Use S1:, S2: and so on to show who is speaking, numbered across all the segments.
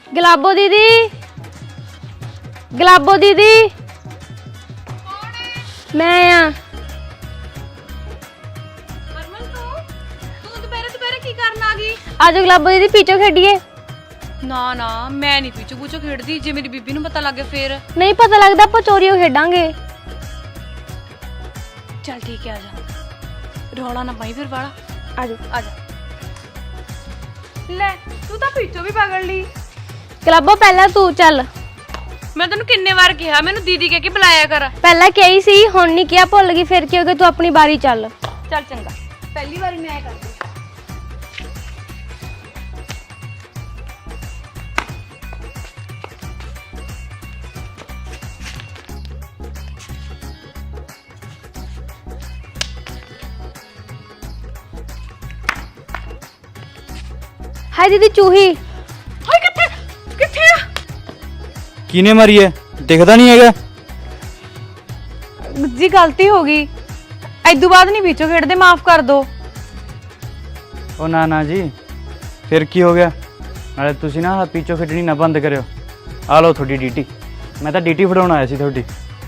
S1: गुलाबो दीदी, गुलाबो दीदी।
S2: कौन है?
S1: मैं आ
S2: हरमन तू दोपहरे दोपहरे की करन आ गई?
S1: आज गुलाबो दीदी पीछो खेडिए।
S2: ना ना मैं नहीं पीछू पूछो खेड़दी, जे मेरी बीबी नूं पता लग गया फिर।
S1: नहीं पता लगता, आप चोरियों खेडांगे।
S2: चल ठीक है, आजा। रौला ना पाई फिर वाला।
S1: आजो
S2: आजा। ले तू तो पीछो भी पकड़ ली।
S1: गुलाबो पहला तू चल।
S2: मैं तेन किन्ने बार कहा मैनू दीदी कह के बुलाया कर।
S1: पहला क्या ही सी, हुण नहीं किया, भुल गई। फिर क्या हो गया, तू अपनी बारी चल।
S2: चल चंगा, पहली बार मैं कर दी।
S1: हाय दीदी चूही।
S2: हाय किथे किथे आ?
S3: किने मारी है? दिखता नहीं है?
S2: जी गलती हो गई, इदू बाद नहीं पीछो खेड़दे, माफ कर दो।
S3: ओ ना ना जी, फिर की हो गया? नाले तुसी ना पीछो खिडनी ना बंद करियो। आ लो थोड़ी डीटी, मैं तो डीटी फड़ाउण आया सी थोड़ी।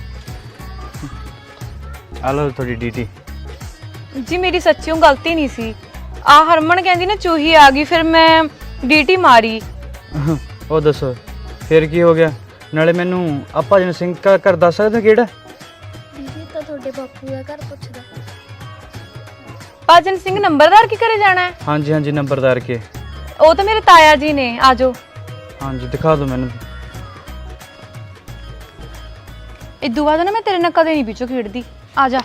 S3: आ लो थोड़ी डीटी।
S2: जी मेरी सच्चियों गलती नहीं सी। आ हरमन कहंदी ना चूही आ गई, फिर मैं डीटी मारी।
S3: ओ दसो फिर की हो गया? नाले मैनू आ भजन सिंह का घर दस सकदे किहड़ा?
S1: दीदी तो थोड़े बापू का घर पुछदा।
S2: भजन सिंह नंबरदार के घरे जाना है?
S3: हाँ जी हाँ जी, नंबरदार के।
S2: वो तो मेरे ताया जी ने। आजो
S3: हाँ जी दिखा दो मैनू।
S2: इदू बाद ना मैं तेरे नाल कदे नहीं पीछो खेड़दी। आजा।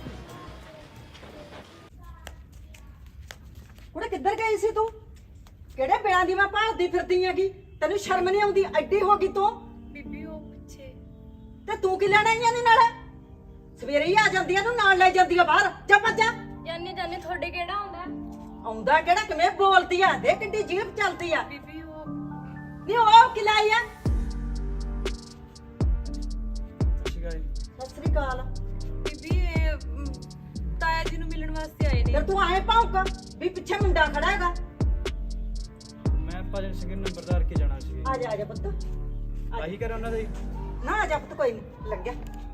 S4: कुड़े किधर गई सी तू? किहड़े बिना दी मैं भालदी फिरदी हैगी? तैनू शर्म नहीं आउंदी? एडी हो गई तू
S2: बीबी ओ पिछे
S4: ते तू की लेना ही नहीं नाल? सवेरे ही आ जांदी आ, तू नाल ले जांदी आ बाहर। जा भੱਜ जा।
S1: जाने जाने थोड़े केड़ा आउंदा?
S4: आउंदा किहड़ा? किवें बोलदी आ? देख किड्डी जीभ चलदी आ।
S2: बीबी ओ
S4: नी ओ की लाई आ? सत श्री अकाल।
S2: बीबी ताया जी ਨੂੰ ਮਿਲਣ ਵਾਸਤੇ ਆਏ ਨੇ।
S4: ਫਿਰ ਤੂੰ ਆਏ ਭੌਂਕ ਵੀ ਪਿੱਛੇ ਮੁੰਡਾ ਖੜਾ ਹੈਗਾ।
S3: मैं भजन सिंह नंबरदार के जाना सी।
S4: ਆ ਜਾ ਪੁੱਤ।
S3: ਆਹੀ ਕਰ ਉਹਨਾਂ ਦਾ ਹੀ।
S4: ਨਾ ਆ ਜਾ ਪੁੱਤ, ਕੋਈ ਨਹੀਂ ਲੱਗਿਆ।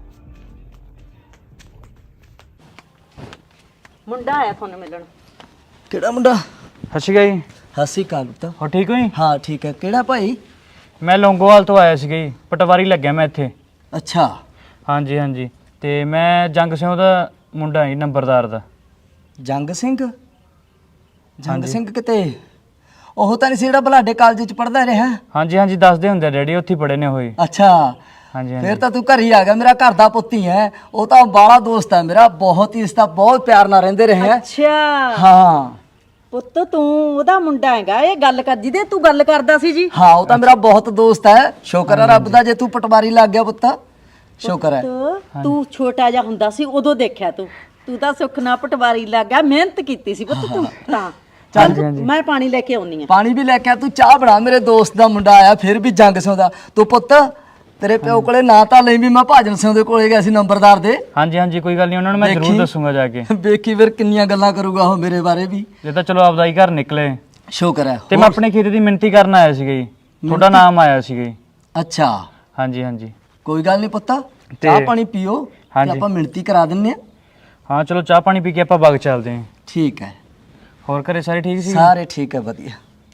S4: ਮੁੰਡਾ ਆਇਆ ਤੁਹਾਨੂੰ ਮਿਲਣ।
S5: ਕਿਹੜਾ ਮੁੰਡਾ?
S3: ਸਤਿ ਸ਼੍ਰੀ ਅਕਾਲ ਜੀ।
S5: ਹਾਸੀ ਕਾਲ ਪੁੱਤ।
S3: ਹੋ ਠੀਕ ਹੋ ਜੀ?
S5: ਹਾਂ ਠੀਕ ਹੈ। ਕਿਹੜਾ ਭਾਈ?
S3: ਮੈਂ ਲੌਂਗੋਵਾਲ ਤੋਂ ਆਇਆ ਸੀਗਾ ਜੀ, ਪਟਵਾਰੀ ਲੱਗਿਆ ਮੈਂ ਇੱਥੇ।
S5: ਅੱਛਾ
S3: ਹਾਂਜੀ ਹਾਂਜੀ, ਤੇ ਮੈਂ ਜੰਗ ਸਿੰਘ ਦਾ ਮੁੰਡਾ ਜੀ, ਨੰਬਰਦਾਰ ਦਾ।
S5: ਜੰਗ ਸਿੰਘ? ਜੰਗ ਸਿੰਘ ਕਿਤੇ ਉਹ ਤਾਂ ਨਹੀਂ ਸੀ ਜਿਹੜਾ ਬਲਾਡੇ ਕਾਲਜ ਚ ਪੜਦਾ ਰਿਹਾ?
S3: ਹਾਂਜੀ ਹਾਂਜੀ, ਦੱਸਦੇ ਹੁੰਦੇ ਡੈਡੀ, ਉੱਥੇ ਪੜੇ ਨੇ ਹੋਏ।
S5: ਅੱਛਾ
S3: ਹਾਂਜੀ
S5: ਫਿਰ
S3: ਹਾਂਜੀ।
S5: ਤਾਂ ਤੂੰ ਘਰ ਹੀ ਆ ਗਿਆ। ਮੇਰਾ ਘਰ ਦਾ ਪੁੱਤ ਹੀ ਹੈ ਉਹ, ਤਾਂ ਬਾਲਾ ਦੋਸਤ ਹੈ ਮੇਰਾ, ਬਹੁਤ ਹੀ ਇਸ ਦਾ ਬਹੁਤ ਪਿਆਰ ਨਾਲ ਰਹਿੰਦੇ ਰਹੇ ਹੈ।
S4: ਅੱਛਾ
S5: ਹਾਂ
S4: ਪੁੱਤ ਤੂੰ ਉਹਦਾ ਮੁੰਡਾ ਹੈਗਾ? ਇਹ ਗੱਲ ਕਰ ਜਿਹਦੇ ਤੂੰ ਗੱਲ ਕਰਦਾ ਸੀ ਜੀ।
S5: ਹਾਂ ਉਹ ਤਾਂ ਮੇਰਾ ਬਹੁਤ ਦੋਸਤ ਹੈ। ਸ਼ੁਕਰ ਹੈ ਰੱਬ ਦਾ ਜੇ ਤੂੰ ਪਟਵਾਰੀ ਲੱਗ ਗਿਆ ਪੁੱਤ, ਸ਼ੁਕਰ ਹੈ।
S4: ਤੂੰ ਛੋਟਾ ਜਿਹਾ ਹੁੰਦਾ ਸੀ ਉਦੋਂ ਦੇਖਿਆ ਤੂੰ ਤਾਂ ਸੁੱਖ ਨਾਲ ਪਟਵਾਰੀ ਲੱਗ ਗਿਆ, ਮਿਹਨਤ ਕੀਤੀ ਸੀ ਪੁੱਤ ਤੂੰ ਤਾਂ। ਚੱਲ ਮੈਂ ਪਾਣੀ ਲੈ ਕੇ ਆਉਣੀ ਆ।
S5: ਪਾਣੀ ਵੀ ਲੈ ਕੇ ਆ, ਤੂੰ ਚਾਹ ਬਣਾ। ਮੇਰੇ ਦੋਸਤ ਦਾ ਮੁੰਡਾ ਆਇਆ ਫਿਰ ਵੀ ਜੰਗ ਸਿੰਘ ਦਾ। ਤੂੰ ਪੁੱਤ ਤੇਰੇ ਪਿਓ ਕੋਲੇ ਨਾ ਤਾਂ ਲਈ ਵੀ ਮੈਂ ਭਾਜਨ ਸਿੰਘ ਦੇ ਕੋਲੇ ਗਿਆ ਸੀ ਨੰਬਰਦਾਰ ਦੇ।
S3: ਹਾਂਜੀ ਹਾਂਜੀ, ਕੋਈ ਗੱਲ ਨਹੀਂ, ਉਹਨਾਂ ਨੂੰ ਮੈਂ ਜ਼ਰੂਰ ਦੱਸੂਗਾ ਜਾ ਕੇ।
S5: ਵੇਖੀ ਫਿਰ ਕਿੰਨੀਆਂ ਗੱਲਾਂ ਕਰੂਗਾ ਉਹ ਮੇਰੇ ਬਾਰੇ ਵੀ।
S3: ਇਹ ਤਾਂ ਚਲੋ ਆਪਦਾ ਹੀ ਘਰ ਨਿਕਲੇ।
S5: ਸ਼ੁਕਰ ਹੈ।
S3: ਤੇ ਮੈਂ ਆਪਣੇ ਖੇਤ ਦੀ ਮਿੰਤੀ ਕਰਨ ਆਇਆ ਸੀਗਾ ਜੀ, ਤੁਹਾਡਾ ਨਾਮ ਆਇਆ ਸੀਗਾ ਜੀ।
S5: ਅੱਛਾ
S3: ਹਾਂਜੀ ਹਾਂਜੀ।
S5: ਕੋਈ ਗੱਲ ਨਹੀਂ ਪੁੱਤ, ਚਾਹ ਪਾਣੀ ਪੀਓ ਤੇ
S3: ਹਾਂਜੀ।
S5: ਆਪਾਂ ਮਿਣਤੀ ਕਰਾ ਦਿੰਨੇ ਆ।
S3: ਹਾਂ ਚਲੋ ਚਾਹ ਪਾਣੀ ਪੀ ਕੇ ਆਪਾਂ ਬਾਗ ਚੱਲਦੇ ਹਾਂ।
S5: ਠੀਕ ਹੈ।
S3: ਹੋਰ ਘਰੇ ਸਾਰੇ ਠੀਕ ਸੀ?
S5: ਸਾਰੇ ਠੀਕ ਹੈ, ਵਧੀਆ।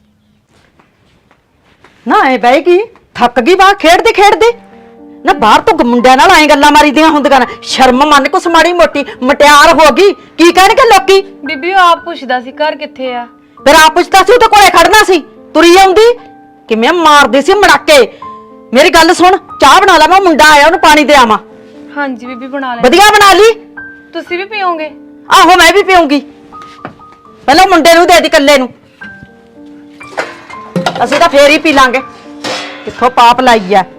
S4: ਨਾ ਐ ਬਹਿ ਗਈ, ਥੱਕ ਗਈ ਬਾਹਰ ਖੇਡਦੇ ਖੇਡਦੇ। ਨਾ ਬਾਹਰ ਤੋਂ ਮੁੰਡਿਆਂ ਨਾਲ ਐ ਗੱਲਾਂ ਮਾਰੀਦੀਆਂ ਹੁੰਦੀਆਂ ਨੇ। ਸ਼ਰਮ ਮੰਨ ਕੁਛ ਮਾੜੀ ਮੋਟੀ, ਮਟਿਆਰ ਹੋ ਗਈ, ਕੀ ਕਹਿਣਗੇ ਲੋਕੀ?
S2: ਬੀਬੀ ਉਹ ਆਪ ਪੁੱਛਦਾ ਸੀ ਘਰ ਕਿੱਥੇ ਆ।
S4: ਫਿਰ ਆਪ ਪੁੱਛਦਾ ਸੀ, ਉਹਦੇ ਕੋਲੇ ਖੜਨਾ ਸੀ, ਤੁਰੀ ਆਉਂਦੀ ਕਿਵੇਂ ਮਾਰਦੀ ਸੀ ਮੜਾਕੇ। ਮੇਰੀ ਗੱਲ ਸੁਣ, ਚਾਹ ਬਣਾ ਲਾ, ਮੈਂ ਮੁੰਡਾ ਆਇਆ ਉਹਨੂੰ ਪਾਣੀ ਦੇ ਆਵਾਂ।
S2: ਹਾਂਜੀ ਬੀਬੀ ਬਣਾ ਲੈ।
S4: ਵਧੀਆ ਬਣਾ ਲਈ।
S2: ਤੁਸੀਂ ਵੀ ਪੀਓਗੇ?
S4: ਆਹੋ ਮੈਂ ਵੀ ਪੀਉਂਗੀ। ਪਹਿਲਾਂ ਮੁੰਡੇ ਨੂੰ ਦੇ ਦੀ ਇਕੱਲੇ ਨੂੰ, ਅਸੀਂ ਤਾਂ ਫੇਰ ਹੀ ਪੀ ਲਾਂਗੇ। ਕਿੱਥੋਂ ਪਾਪ ਲਾਈ ਆ।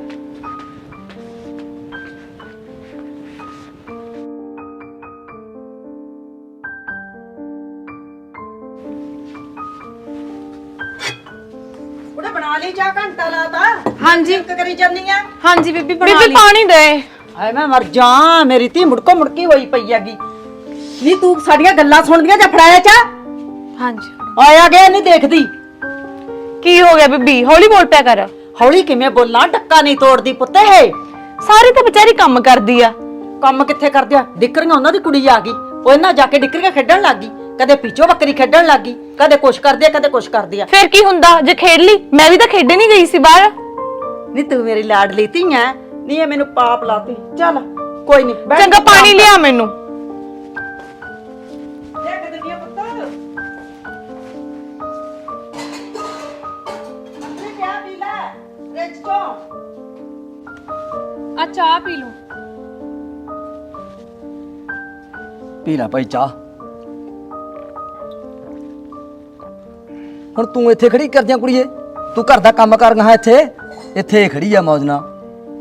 S4: ਉਹਨੇ ਬਣਾ ਲਈ ਚਾਹ, ਘੰਟਾ ਲਾਤਾ।
S2: ਹਾਂਜੀ
S4: ਕਰੀ ਜਾਨੀ ਆ।
S2: ਹਾਂਜੀ ਬੀਬੀ ਬਣਾ
S1: ਬੀਬੀ
S2: ਲਈ।
S1: ਪਾਣੀ ਦੇ।
S4: ਹਾਏ ਮੈਂ ਮਰ ਜਾ, ਮੇਰੀ ਧੀ ਮੁੜਕੋ ਮੁੜਕੀ ਹੋਈ ਪਈ ਹੈਗੀ। ਨੀ ਤੂੰ ਸਾਡੀਆਂ ਗੱਲਾਂ ਸੁਣਦੀਆਂ ਜਾਂ ਫੜਾਇਆ ਚਾ?
S1: ਹਾਂਜੀ
S4: ਆਇਆ ਗਿਆ ਨਹੀਂ ਦੇਖਦੀ।
S1: ਕੀ ਹੋ ਗਿਆ ਬੀਬੀ? ਹੌਲੀ ਬੋਲ ਪਿਆ ਕਰ।
S4: ਹੌਲੀ ਕਿਵੇਂ ਬੋਲਾਂ, ਡੱਕਾ ਨਹੀਂ ਤੋੜਦੀ ਪੁੱਤ ਇਹ।
S2: ਸਾਰੀ ਤਾਂ ਵਿਚਾਰੀ ਕੰਮ ਕਰਦੀ ਆ।
S4: ਕੰਮ ਕਿੱਥੇ ਕਰਦੇ ਆ? ਡਿੱਕਰੀਆਂ ਉਹਨਾਂ ਦੀ ਕੁੜੀ ਆ ਗਈ, ਉਹ ਇਹਨਾਂ ਜਾ ਕੇ ਡਿੱਕਰੀਆਂ ਖੇਡਣ ਲੱਗ ਗਈ, ਕਦੇ ਪਿੱਛੋਂ ਬੱਕਰੀ ਖੇਡਣ ਲੱਗ ਗਈ, ਕਦੇ ਕੁਛ ਕਰਦੀ ਆ ਕਦੇ ਕੁਛ ਕਰਦੀ ਆ।
S2: ਫਿਰ ਕੀ ਹੁੰਦਾ ਜੇ ਖੇਡ ਲਈ? ਮੈਂ ਵੀ ਤਾਂ ਖੇਡਣ ਹੀ ਗਈ ਸੀ ਬਾਹਰ।
S4: ਨਹੀਂ ਤੂੰ ਮੇਰੀ ਲਾਡਲੀ ਧੀ ਐ, ਨਹੀਂ ਇਹ ਮੈਨੂੰ ਪਾਪ ਲਾਤੀ। ਚੱਲ ਕੋਈ ਨਹੀਂ,
S2: ਚੰਗਾ ਪਾਣੀ ਲਿਆ ਮੈਨੂੰ। ਆ ਚਾਹ ਪੀ ਲਓ।
S5: ਪੀ ਲੈ ਭਾਈ ਚਾਹ। ਹੁਣ ਤੂੰ ਇੱਥੇ ਖੜੀ ਕਰਦਿਆਂ ਕੁੜੀਏ, ਤੂੰ ਘਰ ਦਾ ਕੰਮ ਕਰ ਗਾ ਇੱਥੇ ਖੜੀ ਆ ਮੌਜ ਨਾਲ।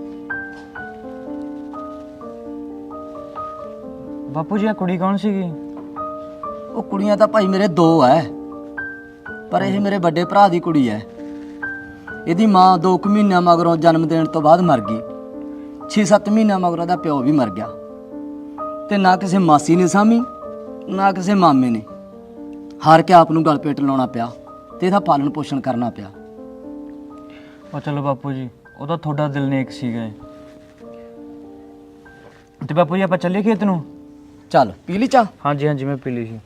S3: ਬਾਪੂ ਜੀ ਆ ਕੁੜੀ ਕੌਣ ਸੀਗੀ?
S5: ਉਹ ਕੁੜੀਆਂ ਤਾਂ ਭਾਈ ਮੇਰੇ ਦੋ ਐ, ਪਰ ਇਹ ਮੇਰੇ ਵੱਡੇ ਭਰਾ ਦੀ ਕੁੜੀ ਐ। ਇਹਦੀ ਮਾਂ 2 ਮਹੀਨਿਆਂ ਮਗਰੋਂ ਜਨਮ ਦੇਣ ਤੋਂ ਬਾਅਦ ਮਰ ਗਈ। 6-7 ਮਹੀਨਿਆਂ ਮਗਰੋਂ ਦਾ ਪਿਓ ਵੀ ਮਰ ਗਿਆ, ਤੇ ਨਾ ਕਿਸੇ ਮਾਸੀ ਨੇ ਸਾਂਭੀ ਨਾ ਕਿਸੇ ਮਾਮੇ ਨੇ। ਹਾਰ ਕੇ ਆਪ ਨੂੰ ਗਲ ਪੇਟ ਲਾਉਣਾ ਪਿਆ ਤੇ ਇਹਦਾ ਪਾਲਣ ਪੋਸ਼ਣ ਕਰਨਾ ਪਿਆ।
S3: ਉਹ ਚਲੋ ਬਾਪੂ ਜੀ, ਉਹਦਾ ਤੁਹਾਡਾ ਦਿਲ ਨੇਕ ਸੀਗਾ। ਤੇ ਬਾਪੂ ਜੀ ਆਪਾਂ ਚੱਲੀਏ ਖੇਤ ਨੂੰ?
S5: ਚੱਲ ਪੀ ਲਈ ਚਾਹ।
S3: ਹਾਂਜੀ ਹਾਂਜੀ ਮੈਂ ਪੀ ਲਈ ਸੀ।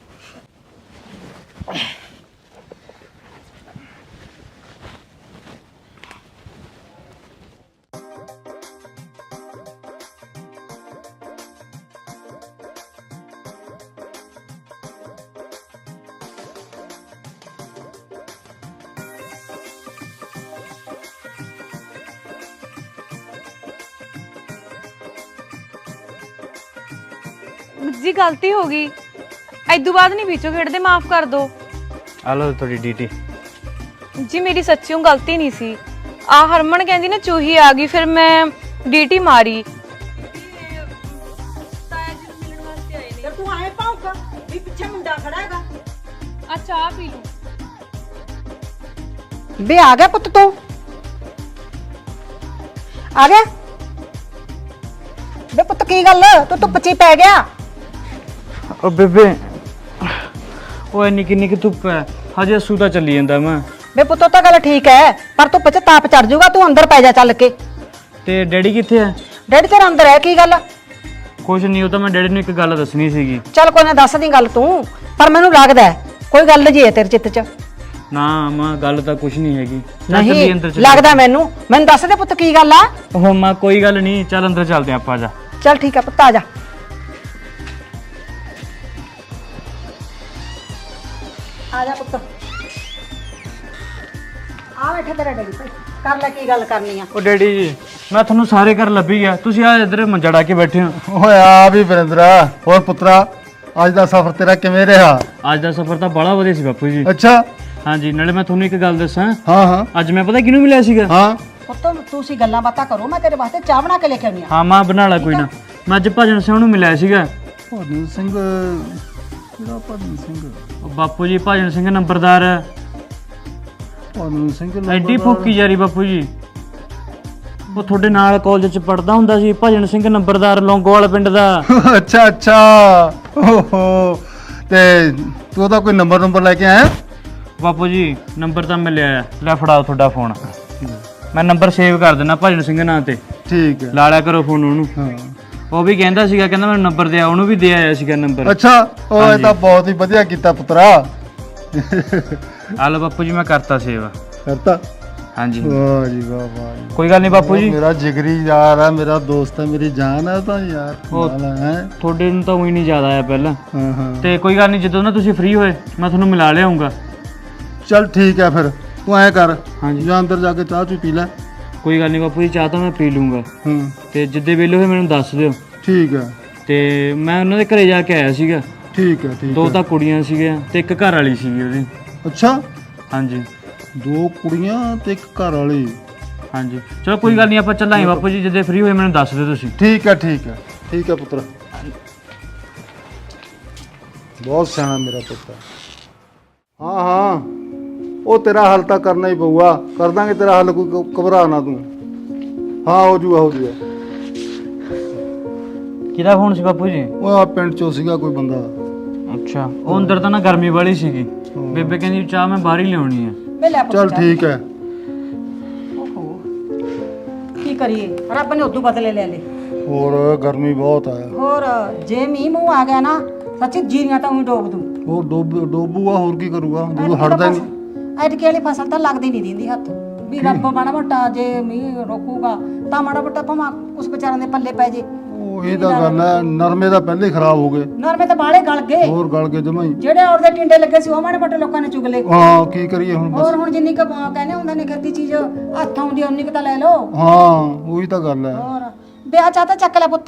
S2: ਜੀ ਗਲਤੀ ਹੋ ਗਈ, ਐਦੋਂ ਬਾਅਦ ਨਹੀਂ ਵਿੱਚੋਂ ਖੇਡਦੇ, ਮਾਫ ਕਰ ਦਿਓ।
S3: ਆ ਲਓ ਤੁਹਾਡੀ ਡੀਟੀ।
S2: ਜੀ ਮੇਰੀ ਸੱਚੀਓ ਗਲਤੀ ਨਹੀਂ ਸੀ। ਆ ਹਰਮਨ ਕਹਿੰਦੀ ਨਾ ਚੂਹੀ ਆ ਗਈ, ਫਿਰ ਮੈਂ ਡੀਟੀ ਮਾਰੀ।
S4: ਤੂੰ ਆਏ ਪਾਉਂਗਾ ਵੀ ਪਿੱਛੇ ਮੁੰਡਾ ਖੜਾ ਹੈਗਾ।
S2: ਆ ਚਾਹ ਪੀ ਲਓ।
S4: ਬੇ ਆ ਗਿਆ ਪੁੱਤ, ਤੂੰ ਆ ਗਿਆ? ਬੇ ਪੁੱਤ ਕੀ ਗੱਲ, ਤੂੰ ਧੁੱਪ 'ਚ ਹੀ ਪੈ ਗਿਆ?
S3: ਉਹ ਬੇਬੇ, ਉਹ ਇੰਨੀ ਕਿੰਨੀ ਕਿ ਧੁੱਪ ਹੈ, ਹਜੇ ਅਸੂ ਤਾਂ ਚੱਲੀ ਜਾਂਦਾ ਮੈਂ।
S4: ਬੇ ਪੁੱਤੋ ਤਾਂ ਗੱਲ ਠੀਕ ਹੈ, ਪਰ ਧੁੱਪ 'ਚ ਤਾਪ ਚੜ ਜਾਊਗਾ, ਤੂੰ ਅੰਦਰ ਪੈ ਜਾ ਚੱਲ ਕੇ।
S3: ਤੇ ਡੈਡੀ ਕਿੱਥੇ ਹੈ?
S4: ਡੈਡੀ ਤੇਰਾ ਅੰਦਰ ਹੈ, ਕੀ ਗੱਲ?
S3: ਕੁਛ ਨਹੀਂ, ਉਹ ਤਾਂ ਮੈਂ ਡੈਡੀ ਨੂੰ ਇੱਕ ਗੱਲ ਦੱਸਣੀ ਸੀਗੀ।
S4: ਚੱਲ ਕੋਈ ਨਾ, ਦੱਸ ਦੀ ਗੱਲ ਤੂੰ, ਪਰ ਮੈਨੂੰ ਲੱਗਦਾ ਹੈ ਕੋਈ ਗੱਲ ਜੀ ਹੈ ਤੇਰੇ ਚਿੱਤ 'ਚ।
S3: ਨਾ ਮਾਂ, ਗੱਲ ਤਾਂ ਕੁਛ ਨਹੀਂ ਹੈਗੀ। ਚੱਲ ਚੱਲੀਏ ਅੰਦਰ ਚੱਲੀਏ।
S4: ਲੱਗਦਾ ਮੈਨੂੰ ਦੱਸ ਦੇ ਪੁੱਤ ਕੀ ਗੱਲ ਆ।
S3: ਉਹ ਮਾਂ ਕੋਈ ਗੱਲ ਨਹੀਂ, ਚੱਲ ਅੰਦਰ ਚੱਲਦੇ ਆਂ ਆਪਾਂ। ਜਾ
S4: ਚੱਲ ਠੀਕ ਹੈ ਪੁੱਤ, ਆ ਜਾ। ਆ ਜਾ ਪੁੱਤ, ਆ ਬੈਠਾ ਤੇਰਾ ਡੈਡੀ, ਭਾਈ ਕਰ ਲੈ ਕੀ ਗੱਲ ਕਰਨੀ ਆ।
S3: ਉਹ ਡੈਡੀ ਜੀ, ਮੈਂ ਤੁਹਾਨੂੰ ਸਾਰੇ ਘਰ ਲੱਭੀ ਗਿਆ, ਤੁਸੀਂ ਆ ਇੱਧਰ ਮੰਜਾ ਡਾ ਕੇ ਬੈਠੇ ਹੋ।
S6: ਓਏ ਆ ਵੀ ਵਰਿੰਦਰਾ, ਹੋਰ ਪੁੱਤਰਾ ਅੱਜ ਦਾ ਸਫ਼ਰ ਤੇਰਾ ਕਿਵੇਂ ਰਿਹਾ?
S3: ਅੱਜ ਦਾ ਸਫ਼ਰ ਤਾਂ ਬੜਾ ਵਧੀਆ ਸੀ ਬਾਪੂ ਜੀ।
S6: ਅੱਛਾ,
S3: ਹਾਂਜੀ, ਨਾਲੇ ਮੈਂ ਤੁਹਾਨੂੰ ਇੱਕ ਗੱਲ ਦੱਸਾਂ।
S6: ਹਾਂ ਹਾਂ
S3: ਅੱਜ ਮੈਂ ਪਤਾ ਕਿਹਨੂੰ ਮਿਲਿਆ ਸੀਗਾ?
S6: ਹਾਂ।
S4: ਪੁੱਤ ਤੁਸੀਂ ਗੱਲਾਂ ਬਾਤਾਂ ਕਰੋ, ਮੈਂ ਤੇਰੇ ਵਾਸਤੇ ਚਾਹ ਬਣਾ ਕੇ ਲੈ ਕੇ ਆਉਣੀ ਆ।
S3: ਹਾਂ ਮਾਂ, ਬਣਾ ਲਾ ਕੋਈ ਨਾ। ਮੈਂ ਅੱਜ ਭਜਨ ਸਿੰਘ ਨੂੰ ਮਿਲਿਆ ਸੀਗਾ।
S6: ਭਜਨ ਸਿੰਘ? ਕਿਹੜਾ ਭਜਨ ਸਿੰਘ?
S3: ਉਹ ਬਾਪੂ ਜੀ, ਭਜਨ ਸਿੰਘ ਨੰਬਰਦਾਰ।
S6: ਭਜਨ ਸਿੰਘ
S3: ਐਡੀ ਫੂਕੀ ਜਾਰੀ ਬਾਪੂ ਜੀ। ਉਹ ਤੁਹਾਡੇ ਨਾਲ ਕਾਲਜ ਚ ਪੜਦਾ ਹੁੰਦਾ ਸੀ, ਭਜਨ ਸਿੰਘ ਨੰਬਰਦਾਰ, ਲੌਂਗੋਵਾਲ ਪਿੰਡ ਦਾ।
S6: ਅੱਛਾ ਅੱਛਾ, ਓਹੋ, ਤੇ ਤੂੰ ਉਹਦਾ ਕੋਈ ਨੰਬਰ ਲੈ ਕੇ ਆਇਆ?
S3: ਬਾਪੂ ਜੀ ਨੰਬਰ ਤਾਂ ਮਿਲਿਆ ਆ, ਲੈ ਫੜਾਓ ਤੁਹਾਡਾ ਫੋਨ। ਮੈਂ ਨੰਬਰ ਸੇਵ ਕਰ ਦਿੰਦਾ ਭਜਨ ਸਿੰਘ ਨਾਂ ਤੇ,
S6: ਠੀਕ ਹੈ।
S3: ਲਾ ਲਿਆ ਕਰੋ ਫੋਨ ਉਹਨੂੰ।
S6: ਹਾਂ,
S3: ਉਹ ਵੀ ਕਹਿੰਦਾ ਸੀਗਾ, ਕਹਿੰਦਾ ਮੈਨੂੰ ਨੰਬਰ ਦਿਆ, ਉਹਨੂੰ ਵੀ ਦੇ ਆਇਆ ਸੀਗਾ ਨੰਬਰ।
S6: ਅੱਛਾ, ਉਹ ਇਹ ਤਾਂ ਬਹੁਤ ਹੀ ਵਧੀਆ ਕੀਤਾ ਪੁੱਤਰਾ।
S3: ਆ ਲਓ ਬਾਪੂ ਜੀ, ਮੈਂ ਕਰਤਾ ਸੇਵ।
S6: ਕਰਤਾ?
S3: ਹਾਂਜੀ,
S6: ਵਾਹ ਜੀ ਵਾਹ, ਵਾਹ ਜੀ।
S3: ਕੋਈ ਗੱਲ ਨਹੀਂ ਬਾਪੂ ਜੀ।
S6: ਮੇਰਾ ਜਿਗਰੀ ਯਾਰ ਹੈ, ਮੇਰਾ ਦੋਸਤ ਹੈ, ਮੇਰੀ ਜਾਨ ਹੈ ਤਾਂ ਯਾਰ। ਕਮਾਲ ਹੈ।
S3: ਤੁਹਾਡੇ ਨੂੰ ਤਾਂ ਉਹੀ ਨਹੀਂ ਯਾਦ ਆਇਆ ਪਹਿਲਾਂ।
S6: ਹਾਂ ਹਾਂ,
S3: ਤੇ ਕੋਈ ਗੱਲ ਨਹੀਂ, ਜਦੋਂ ਨਾ ਤੁਸੀਂ ਫ੍ਰੀ ਹੋਏ ਮੈਂ ਤੁਹਾਨੂੰ ਮਿਲਾ ਲਿਆਉਂਗਾ।
S6: ਚੱਲ ਠੀਕ ਹੈ, ਫਿਰ ਤੂੰ ਐਂ ਕਰ,
S3: ਹਾਂਜੀ।
S6: ਜਾਂ ਅੰਦਰ ਜਾ ਕੇ ਚਾਹ ਚੂ ਪੀ ਲੈ।
S3: ਕੋਈ ਗੱਲ ਨਹੀਂ ਬਾਪੂ ਜੀ, ਚਾਹ ਤਾਂ ਮੈਂ ਪੀ ਲੂੰਗਾ।
S6: ਹਾਂ
S3: ਤੇ ਜਿੱਦੇ ਵੇਲੇ ਹੋਏ ਮੈਨੂੰ ਦੱਸ ਦਿਓ।
S6: ਠੀਕ ਹੈ
S3: ਤੇ ਮੈਂ ਉਹਨਾਂ ਦੇ ਘਰੇ ਜਾ ਕੇ ਆਇਆ ਸੀਗਾ।
S6: ਠੀਕ ਹੈ ਠੀਕ
S3: ਦੋ
S6: ਹੈ।
S3: ਤਾਂ ਕੁੜੀਆਂ ਸੀਗੀਆਂ ਤੇ ਇੱਕ ਘਰ ਵਾਲੀ ਸੀਗੀ ਉਹਦੀ।
S6: ਅੱਛਾ,
S3: ਹਾਂਜੀ
S6: 2 ਕੁੜੀਆਂ ਤੇ ਇੱਕ ਘਰ ਵਾਲੀ।
S3: ਹਾਂਜੀ, ਚਲੋ ਕੋਈ ਗੱਲ ਨਹੀਂ, ਆਪਾਂ ਚੱਲਾਂਗੇ ਬਾਪੂ ਜੀ, ਜਿੱਦੇ ਫ੍ਰੀ ਹੋਏ ਮੈਨੂੰ ਦੱਸ ਦਿਓ ਤੁਸੀਂ।
S6: ਠੀਕ ਹੈ ਠੀਕ ਹੈ ਠੀਕ ਹੈ ਪੁੱਤਰ, ਬਹੁਤ ਸਿਆਣਾ ਮੇਰਾ ਪੁੱਤ। ਹਾਂ ਹਾਂ, ਉਹ ਤੇਰਾ ਹੱਲ ਤਾਂ ਕਰਨਾ ਹੀ ਪਊਗਾ, ਕਰ ਦਾਂਗੇ ਤੇਰਾ ਹੱਲ, ਕੋਈ ਘਬਰਾ ਨਾ ਤੂੰ। ਹਾਂ ਹੋ ਜੂਗਾ ਹੋ ਜੂਗਾ।
S3: ਕਿਹਦਾ ਫੋਨ ਸੀ ਬਾਪੂ ਜੀ?
S6: ਉਹ ਆ ਪਿੰਡ ਚੋਂ ਸੀਗਾ ਕੋਈ ਬੰਦਾ।
S3: ਅੱਛਾ, ਉਹ ਅੰਦਰ ਤਾਂ ਨਾ ਗਰਮੀ ਵਾਲੀ ਸੀਗੀ, ਬੇਬੇ ਕਹਿੰਦੀ ਚਾਹ ਮੈਂ ਬਾਹਰ ਹੀ ਲਿਆਉਣੀ ਆ।
S4: ਵੇ ਲੈ ਪੁੱਤ
S6: ਚੱਲ ਠੀਕ ਹੈ।
S4: ਓਹੋ, ਕੀ ਕਰੀਏ ਰੱਬ ਨੇ ਉਦੋਂ ਬਦਲੇ ਲੈ ਲਏ।
S6: ਹੋਰ ਗਰਮੀ ਬਹੁਤ ਹੈ।
S4: ਹੋਰ ਜੇ ਮੀਂਹ ਮੂੰਹ ਆ ਗਿਆ ਨਾ ਸੱਚੀ ਜੀਰੀਆਂ ਤਾਂ ਉਹੀ ਡੋਬ ਦੂੰ।
S6: ਉਹ ਡੋਬੂਗਾ ਹੋਰ ਕੀ ਕਰੂਗਾ ਜਦੋਂ ਹਟਦਾ ਨਹੀਂ।
S4: ਐਤਕੀ ਵਾਲੀ ਫਸਲ ਤਾਂ ਲੱਗਦੀ ਨਹੀਂ ਦਿੰਦੀ ਹੱਥ ਵੀ ਰੱਬ ਮਾੜਾ ਮੋਟਾ ਜੇ ਮੀਂਹ ਰੋਕੂਗਾ ਤਾਂ ਮਾੜਾ ਮੋਟਾ ਭਾਵੇਂ ਉਸ ਵਿਚਾਰਿਆਂ ਦੇ ਪੱਲੇ ਪੈ ਜੇ।
S6: ਉਹ ਇਹ ਤਾਂ ਗੱਲ ਹੈ, ਨਰਮੇ ਤਾਂ ਪਹਿਲੇ ਹੀ ਖਰਾਬ ਹੋ ਗਏ।
S4: ਨਰਮੇ ਤਾਂ ਬਾਲੇ ਗਲ ਗਏ,
S6: ਹੋਰ ਗਲ ਕੇ ਜਮਾਂ ਹੀ।
S4: ਜਿਹੜੇ ਔਰ ਦੇ ਟਿੰਡੇ ਲੱਗੇ ਸੀ ਉਹ ਮਾੜੇ ਮੋਟੇ ਲੋਕਾਂ ਨੇ ਚੁਗ ਲਏ।
S6: ਹਾਂ ਕੀ ਕਰੀਏ ਹੁਣ ਬਸ।
S4: ਹੋਰ ਹੁਣ ਜਿੰਨੀ ਕੁ ਕਹਿੰਦੇ ਹੁੰਦੇ ਨੇ ਖੇਤੀ ਚੀਜ਼ ਹੱਥ ਆਉਂਦੀ ਉਨੀ ਕੁ ਤਾਂ ਲੈ ਲਓ।
S6: ਹਾਂ ਉਹੀ ਤਾਂ ਗੱਲ ਹੈ।
S4: ਹੋਰ ਵਿਆਹ ਚਾਹ ਤਾਂ ਚੱਕ ਲੈ ਪੁੱਤ,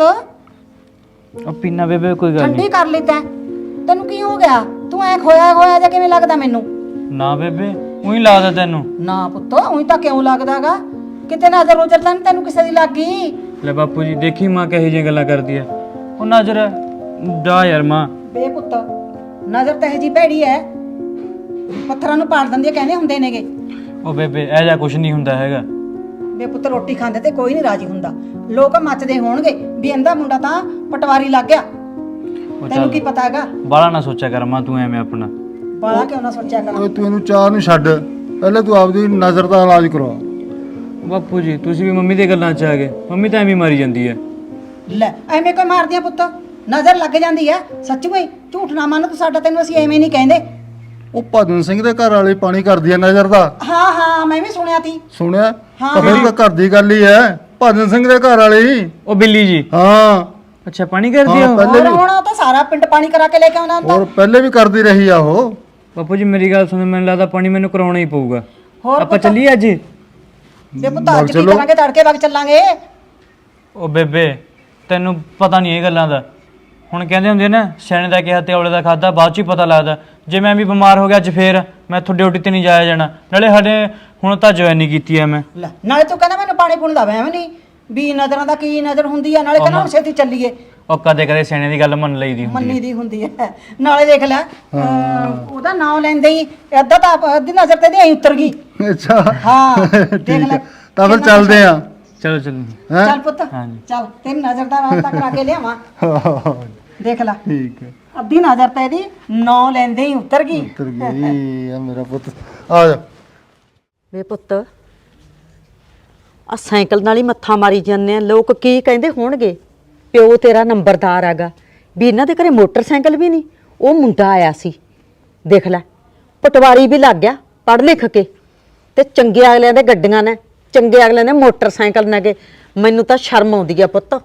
S3: ਉਹ ਪੀਣਾ ਬੇਬੇ ਕੋਈ ਗੱਲ
S4: ਠੰਡੀ
S3: ਨਹੀਂ।
S4: ਕਰ ਲਈ ਤੈਨੂੰ ਕੀ ਹੋ ਗਿਆ? ਤੂੰ ਐ ਖੋਇਆ ਜਾਂ ਕਿਵੇਂ ਲੱਗਦਾ ਮੈਨੂੰ?
S3: ਨਾ ਬੇਬੇ ਉਹੀ ਲੱਗਦਾ ਤੈਨੂੰ।
S4: ਨਾ ਪੁੱਤ ਉਹੀ ਤਾਂ ਕਿਉਂ ਲੱਗਦਾਗਾ? ਕਿਤੇ ਨਜ਼ਰ ਉਜਰ ਤਾਂ ਨੀ ਤੈਨੂੰ ਕਿਸੇ ਦੀ ਲੱਗ ਗਈ?
S3: ਲੈ ਬਾਪੂ ਜੀ ਦੇਖੀ ਮਾਂ ਕਹੀ ਜਿਹੀਆਂ ਗੱਲਾਂ ਕਰਦੀ ਆ। ਉਹ ਨਜ਼ਰ ਜਾ ਯਾਰ ਮਾਂ।
S4: ਬੇ ਪੁੱਤ ਨਜ਼ਰ ਤਾਂ ਇਹ ਜੀ ਭੈੜੀ ਐ, ਪੱਥਰਾਂ ਨੂੰ ਪਾੜ ਦਿੰਦੀ ਐ ਕਹਿੰਦੇ ਹੁੰਦੇ ਨੇਗੇ।
S3: ਉਹ ਬੇਬੇ ਇਹ ਜਿਹਾ ਕੁਝ ਨਹੀਂ ਹੁੰਦਾ ਹੈਗਾ।
S4: ਬੇ ਪੁੱਤ ਰੋਟੀ ਖਾਂਦੇ ਤੇ ਕੋਈ ਨਹੀਂ ਰਾਜੀ ਹੁੰਦਾ। ਲੋਕ ਮੱਚਦੇ ਹੋਣਗੇ ਵੀ ਇਹਦਾ ਮੁੰਡਾ ਤਾਂ ਪਟਵਾਰੀ ਲੱਗ ਗਿਆ। ਤੈਨੂੰ ਕੀ ਪਤਾ ਹੈਗਾ?
S3: ਬਾਲਾ ਨਾ ਸੋਚਿਆ ਕਰ ਮਾਂ ਤੂੰ ਐਵੇਂ ਆਪਣਾ।
S4: ਬਾਲਾ ਕਿਉਂ ਨਾ ਸੋਚਿਆ ਕਰ?
S6: ਓਏ ਤੂੰ ਇਹਨੂੰ ਚਾਹ ਨੂੰ ਛੱਡ, ਪਹਿਲੇ ਤੂੰ ਆਪਦੀ ਨਜ਼ਰ ਦਾ ਇਲਾਜ ਕਰਵਾ।
S3: ਬਾਪੂ ਜੀ ਤੁਸੀਂ ਵੀ ਮੰਮੀ ਦੀਆਂ ਗੱਲਾਂ 'ਚ ਆ ਗਏ। ਮੰਮੀ ਤਾਂ ਐਵੇਂ ਮਾਰੀ ਜਾਂਦੀ ਹੈ।
S4: ਲੈ ਐਵੇਂ ਕੋਈ ਮਾਰਦੀਆਂ ਪੁੱਤ? ਨਜ਼ਰ ਲੱਗ ਜਾਂਦੀ ਐ ਸੱਚ ਕੋਈ ਝੂਠ ਨਾ ਮੰਨ ਤੂੰ ਸਾਡਾ, ਤੈਨੂੰ ਅਸੀਂ ਐਵੇਂ ਨਹੀਂ ਕਹਿੰਦੇ।
S6: ਉਹ ਭਜਨ ਸਿੰਘ ਦੇ ਘਰ ਵਾਲੇ ਪਾਣੀ ਕਰਦੀ ਆ ਨਜ਼ਰ ਦਾ।
S4: ਹਾਂ ਹਾਂ ਮੈਂ ਵੀ ਸੁਣਿਆ ਤੀ।
S6: ਸੁਣਿਆ? ਤਾਂ ਫਿਰ ਤਾਂ ਘਰ ਦੀ ਗੱਲ ਹੀ ਹੈ, ਭਜਨ ਸਿੰਘ ਦੇ ਘਰ ਵਾਲੇ ਹੀ।
S3: ਉਹ ਬਿੱਲੀ ਜੀ।
S6: ਹਾਂ
S3: ਅੱਛਾ ਪਾਣੀ ਕਰਦੀ ਆ
S6: ਹਾਂ,
S3: ਉਹ?
S6: ਪਹਿਲੇ
S4: ਹੋਰ ਹੁਣ ਉਹ ਤਾਂ ਸਾਰਾ ਪਿੰਡ ਪਾਣੀ ਕਰਾ ਕੇ ਲੈ ਕੇ ਆਉਂਦਾ ਹੁੰਦਾ।
S6: ਹੋਰ ਪਹਿਲੇ ਵੀ ਕਰਦੀ ਰਹੀ ਆ ਉਹ।
S3: ਬਾਪੂ ਜੀ ਮੇਰੀ ਗੱਲ ਸੁਣੋ, ਮੈਨੂੰ ਲੱਗਦਾ ਪਾਣੀ ਮੈਨੂੰ ਕਰਾਉਣਾ ਹੀ ਪਊਗਾ।
S4: ਹੋਰ
S3: ਆਪਾਂ ਚੱਲੀਏ ਅੱਜ?
S4: ਬੇ ਪੁੱਤ ਅੱਜ ਕੀ ਕਰਾਂਗੇ? ਤੜਕੇ ਵਗ ਚੱਲਾਂਗੇ।
S3: ਉਹ ਬੇਬੇ ਤੈਨੂੰ ਪਤਾ ਨਹੀਂ ਇਹ ਗੱਲਾਂ ਦਾ। ਹੁਣ ਕਹਿੰਦੇ ਹੁੰਦੇ ਨਾ ਸਿਆਣੇ ਦਾ ਕਿਹਾ ਤੇ ਔਲੇ ਦਾ ਖਾਦਾ ਬਾਅਦ ਚ ਹੀ ਪਤਾ ਲੱਗਦਾ। ਜੇ ਮੈਂ ਵੀ ਬਿਮਾਰ ਹੋ ਗਿਆ ਅੱਜ ਫੇਰ ਮੈਂ ਤੁਹਾਡੇ ਡਿਊਟੀ ਤੇ ਨਹੀਂ ਜਾਇਆ ਜਾਣਾ। ਨਾਲੇ ਸਾਡੇ ਹੁਣ ਤਾਂ ਜੁਆਇਨਿੰਗ ਕੀਤੀ ਐ ਮੈਂ।
S4: ਲੈ ਨਾਲੇ ਤੂੰ ਕਹਿੰਦਾ ਮੈਨੂੰ ਪਾਣੀ ਪੂਣ ਦਾ ਵਹਿਮ ਨਹੀਂ ਵੀ ਨਜ਼ਰਾਂ ਦਾ ਕੀ ਨਜ਼ਰ ਹੁੰਦੀ ਆ। ਨਾਲੇ ਕਹਿੰਦਾ ਹੁਣ ਛੇਤੀ ਚੱਲੀਏ।
S3: ਉਹ ਕਦੇ ਕਦੇ ਸਿਆਣੇ ਦੀ ਗੱਲ ਮੰਨ ਲਈਦੀ ਹੁੰਦੀ
S4: ਮੰਨੀ ਦੀ ਹੁੰਦੀ ਹੈ। ਨਾਲੇ ਦੇਖ ਲੈ ਉਹਦਾ ਨਾਮ ਲੈਂਦੇ ਹੀ ਅੱਧਾ ਤਾਂ ਅੱਧੀ ਨਜ਼ਰ ਤੇ ਦੀ ਉਤਰ ਗਈ।
S6: ਅੱਛਾ
S4: ਹਾਂ ਦੇਖ
S6: ਠੀਕ
S4: ਲੈ।
S6: ਹੈ, ਤਾਂ ਫਿਰ ਚੱਲਦੇ ਆ।
S3: ਚਲੋ ਚਲੋ।
S6: ਹੈਂ?
S4: ਚੱਲ ਪੁੱਤ
S3: ਹਾਂਜੀ।
S4: ਚੱਲ ਤੇਰੀ ਨਜ਼ਰ ਦਾ ਰਾਸਤਾ ਕਰਾ ਕੇ ਲਿਆਵਾਂ। ਦੇਖ ਲੈ
S6: ਠੀਕ ਹੈ,
S4: ਅੱਧੀ ਨਜ਼ਰ ਤੇ ਇਹਦੀ ਨਾਂ ਲੈਂਦੇ ਹੀ ਉਤਰ ਗਈ।
S6: ਉਤਰ ਗਈ ਆ ਮੇਰਾ ਪੁੱਤ। ਆ ਜਾ।
S4: ਵੇ ਪੁੱਤ ਆ ਸਾਈਕਲ ਨਾਲ ਹੀ ਮੱਥਾ ਮਾਰੀ ਜਾਂਦੇ ਆ। ਲੋਕ ਕੀ ਕਹਿੰਦੇ ਹੋਣਗੇ? ਪਿਓ ਤੇਰਾ ਨੰਬਰਦਾਰ ਹੈਗਾ ਵੀ ਇਹਨਾਂ ਦੇ ਘਰੇ ਮੋਟਰਸਾਈਕਲ ਵੀ ਨਹੀਂ। ਉਹ ਮੁੰਡਾ ਆਇਆ ਸੀ ਦੇਖ ਲੈ, ਪਟਵਾਰੀ ਵੀ ਲੱਗ ਗਿਆ ਪੜ੍ਹ ਲਿਖ ਕੇ, ਤੇ ਚੰਗੇ ਅਗਲਿਆਂ ਦੇ ਗੱਡੀਆਂ ਨੇ, ਚੰਗੇ ਅਗਲਿਆਂ ਦੇ ਮੋਟਰਸਾਈਕਲ ਨੇ। ਮੈਨੂੰ ਤਾਂ ਸ਼ਰਮ ਆਉਂਦੀ ਆ ਪੁੱਤ।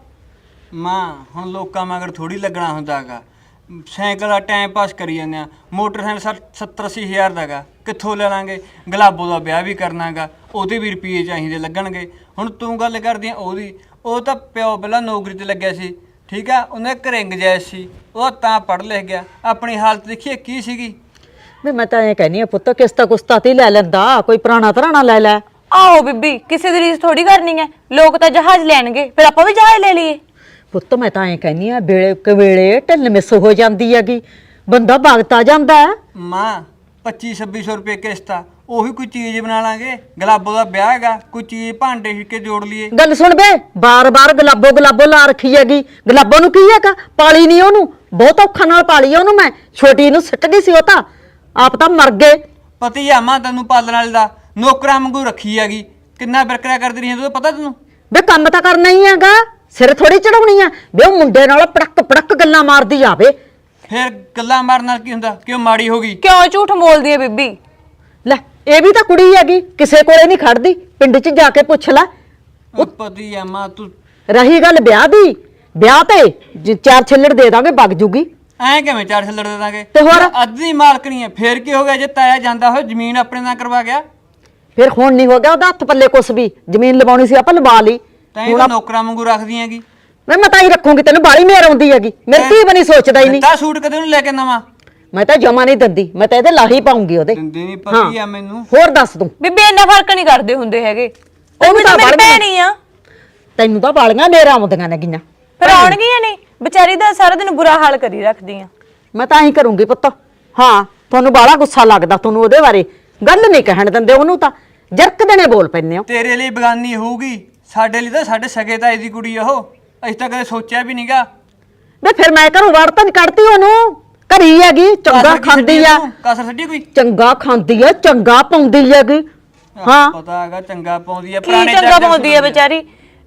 S7: ਮਾਂ ਹੁਣ ਲੋਕਾਂ ਮਗਰ ਥੋੜੀ ਲੱਗਣਾ ਹੁੰਦਾਗਾ। ਸਾਈਕਲ ਦਾ ਟਾਈਮ ਪਾਸ ਕਰੀ ਜਾਂਦੇ ਆ। ਮੋਟਰਸਾਈਕਲ 70-80 ਹਜ਼ਾਰ ਦਾਗਾ, ਕਿੱਥੋਂ ਲੈ ਲਾਂਗੇ? ਗੁਲਾਬੋ ਦਾ ਵਿਆਹ ਵੀ ਕਰਨਾਗਾ, ਉਹਦੇ ਵੀ ਰੁਪਏ ਚਾਹੀਦੇ ਲੱਗਣਗੇ। ਹੁਣ ਤੂੰ ਗੱਲ ਕਰਦੀ ਆ ਉਹਦੀ, ਉਹ ਤਾਂ ਪਿਓ ਪਹਿਲਾਂ ਨੌਕਰੀ ਤੇ ਲੱਗਿਆ ਸੀ, ਠੀਕ ਆ, ਉਹਨੇ ਘਰੇ ਗੁੰਜਾਇਸ਼ ਸੀ, ਉਹ ਤਾਂ ਪੜ੍ਹ ਲਿਖ ਗਿਆ। ਆਪਣੀ ਹਾਲਤ ਦੇਖੀਏ ਕੀ ਸੀਗੀ।
S4: ਵੀ ਮੈਂ ਤਾਂ ਇਹ ਕਹਿੰਦੀ ਆ ਪੁੱਤ ਕਿਸਤਾ ਕੁਸਤਾ ਤੇ ਲੈ ਲੈਂਦਾ, ਕੋਈ ਪੁਰਾਣਾ ਧਰਾਣਾ ਲੈ ਲੈ।
S2: ਆਹੋ ਬੀਬੀ ਕਿਸੇ ਦੀ ਰੀਸ ਥੋੜੀ ਕਰਨੀ ਹੈ। ਲੋਕ ਤਾਂ ਜਹਾਜ਼ ਲੈਣਗੇ, ਫਿਰ ਆਪਾਂ ਵੀ ਜਹਾਜ਼ ਲੈ ਲਈਏ।
S4: ਪੁੱਤ ਮੈਂ ਤਾਂ ਐਂ ਕਹਿੰਦੀ ਆ ਵੇਲੇ ਕਵੇਲੇ ਢਿੱਲ ਮਿਸ ਹੋ ਜਾਂਦੀ ਹੈਗੀ, ਬੰਦਾ ਭਗਤਾ ਜਾਂਦਾ ਹੈ।
S7: ਮਾਂ 2500-2600 ਰੁਪਏ ਕਿਸ਼ਤ ਆ, ਉਹੀ ਕੋਈ ਚੀਜ਼ ਬਣਾ ਲਾਂਗੇ। ਗੁਲਾਬੋ ਦਾ ਵਿਆਹ ਹੈਗਾ, ਕੋਈ ਚੀਜ਼ ਭਾਂਡੇ ਛਿੱਕੇ ਜੋੜ ਲਈਏ।
S4: ਗੱਲ ਸੁਣ ਬੇ, ਬਾਰ-ਬਾਰ ਗੁਲਾਬੋ ਲਾ ਰੱਖੀ ਹੈਗੀ। ਗੁਲਾਬੋ ਨੂੰ ਕੀ ਹੈਗਾ? ਪਾਲੀ ਨਹੀਂ ਉਹਨੂੰ, ਬਹੁਤ ਔਖਾ ਨਾਲ ਪਾਲੀ ਆ ਉਹਨੂੰ ਮੈਂ। ਛੋਟੀ ਨੂੰ ਸਿੱਟ ਗਈ ਸੀ, ਉਹ ਤਾਂ ਆਪ ਤਾਂ ਮਰ ਗਏ।
S7: ਪਤੀ ਆ ਮਾਂ ਤੈਨੂੰ ਪਾਲਣ ਵਾਲੇ ਦਾ, ਨੌਕਰਾਂ ਵਾਂਗੂ ਰੱਖੀ ਹੈਗੀ। ਕਿੰਨਾ ਬਿਰਕਰਾ ਕਰਦੀ ਰਹੀ ਤੂੰ, ਪਤਾ ਤੈਨੂੰ?
S4: ਬੇ ਕੰਮ ਤਾਂ ਕਰਨਾ ਹੀ ਹੈਗਾ, ਸਿਰ ਥੋੜੀ ਚੜਾਉਣੀ ਆ। ਬੇ ਉਹ ਮੁੰਡੇ ਨਾਲ ਪੜਕ ਗੱਲਾਂ ਮਾਰਦੀ ਆਵੇ।
S7: ਫਿਰ ਗੱਲਾਂ ਮਾਰਨ ਨਾਲ ਕੀ ਹੁੰਦਾ? ਕਿਉਂ ਮਾੜੀ ਹੋ ਗਈ?
S2: ਕਿਉਂ ਝੂਠ ਬੋਲਦੀ ਹੈ ਬੀਬੀ?
S4: ਲੈ ਇਹ ਵੀ ਤਾਂ ਕੁੜੀ ਹੈਗੀ, ਕਿਸੇ ਕੋਲੇ ਨਹੀਂ ਖੜਦੀ। ਪਿੰਡ 'ਚ ਜਾ ਕੇ ਪੁੱਛ ਲੈ।
S7: ਉਹ ਪਤੀ ਆ ਮਾਂ ਤੂੰ।
S4: ਰਹੀ ਗੱਲ ਵਿਆਹ ਦੀ, ਵਿਆਹ ਤੇ 4 ਛਿੱਲੜ ਦੇ ਦਾਂਗੇ, ਵਗ ਜੂਗੀ।
S7: ਐਂ ਕਿਵੇਂ 4 ਛੱਲੜ ਦੇ ਦਾਂਗੇ?
S4: ਤੇ ਹੋਰ?
S7: ਅੱਧੀ ਮਾਲਕਣੀ ਹੈ, ਫੇਰ ਕੀ ਹੋ ਗਿਆ ਜੇ ਤਾਇਆ ਜਾਂਦਾ ਹੋਇਆ ਜ਼ਮੀਨ ਆਪਣੇ ਨਾਲ ਕਰਵਾ ਗਿਆ?
S4: ਫਿਰ ਹੁਣ ਨਹੀਂ ਹੋ ਗਿਆ ਉਹਦਾ ਹੱਥ ਪੱਲੇ ਕੁਛ ਵੀ। ਜ਼ਮੀਨ ਲਵਾਉਣੀ ਸੀ ਆਪਾਂ ਲਵਾ ਲਈ।
S7: ਤਾਂ ਇਹ ਨੌਕਰਾਂ ਵਾਂਗੂ ਰੱਖਦੀ ਹੈਗੀ।
S4: ਮੈਂ ਤਾਂ ਹੀ ਰੱਖੂੰਗੀ, ਤੈਨੂੰ ਬਾਲੀ ਮੇਰ ਆਉਂਦੀ ਹੈਗੀ। ਮੇਰੀ ਧੀ ਬਣੀ ਸੋਚਦਾ ਹੀ ਨਹੀਂ।
S7: ਤਾਂ ਸੂਟ ਕਦੇ ਨੂੰ ਲੈ ਕੇ ਨਵਾਂ
S4: ਮੈਂ ਤਾਂ ਜਮਾ ਨਹੀਂ ਦਿੰਦੀ, ਮੈਂ ਤਾਂ ਇਹਦੇ ਲਾਹੀ ਪਾਉਂਗੀ ਉਹਦੇ।
S7: ਦਿੰਦੀ ਨਹੀਂ, ਪਤੀ ਆ ਮੈਨੂੰ।
S4: ਹੋਰ ਦੱਸ ਦੂੰ,
S2: ਬੀਬੀ ਇੰਨਾ ਫਰਕ ਨਹੀਂ ਕਰਦੇ ਹੁੰਦੇ ਹੈਗੇ। ਉਹ ਵੀ ਤਾਂ ਮੇਰੀ ਭੈਣ ਹੀ ਆ।
S4: ਤੈਨੂੰ ਤਾਂ ਬਾਲੀਆਂ ਮੇਰਾ ਆਉਂਦੀਆਂ ਨੇ ਗੀਆਂ।
S2: ਫਿਰ ਆਉਣਗੀਆਂ ਨਹੀਂ, ਵਿਚਾਰੀ ਦਾ ਸਾਰਾ ਦਿਨ ਬੁਰਾ ਹਾਲ ਕਰੀ ਰੱਖਦੀ ਆ।
S4: ਮੈਂ ਤਾਂ ਹੀ ਕਰੂੰਗੀ ਪੁੱਤ। ਹਾਂ ਤੁਹਾਨੂੰ ਬਾਲਾ ਗੁੱਸਾ ਲੱਗਦਾ, ਤੁਹਾਨੂੰ ਉਹਦੇ ਬਾਰੇ ਗੱਲ ਨਹੀਂ ਕਹਿਣ ਦਿੰਦੇ ਉਹਨੂੰ, ਤਾਂ ਜਰਕ ਦੇਣੇ ਬੋਲ ਪੈਂਦੇ ਹੋ।
S7: ਤੇਰੇ ਲਈ ਬਗਾਨੀ ਹੋਊਗੀ, ਸਾਡੇ ਲਈ ਤਾਂ ਸਾਡੇ ਸਗੇ ਤਾਏ ਦੀ ਕੁੜੀ ਆ ਉਹ। ਅਸੀਂ ਤਾਂ ਕਦੇ ਸੋਚਿਆ ਵੀ ਨਹੀਂਗਾ।
S4: ਵੇ ਫਿਰ ਮੈਂ ਘਰੋਂ ਵੜ ਤਾਂ ਨੀ ਕੱਢਦੀ ਉਹਨੂੰ, ਘਰੀ ਹੈਗੀ, ਚੰਗਾ ਖਾਂਦੀ ਆ।
S7: ਕਸਰ ਛੱਡੀ ਕੋਈ?
S4: ਚੰਗਾ ਖਾਂਦੀ ਆ, ਚੰਗਾ ਪਾਉਂਦੀ ਹੈਗੀ। ਹਾਂ
S7: ਪਤਾ ਹੈਗਾ ਚੰਗਾ ਪਾਉਂਦੀ ਆ।
S2: ਕੀ ਚੰਗਾ ਪਾਉਂਦੀ ਹੈ ਵਿਚਾਰੀ?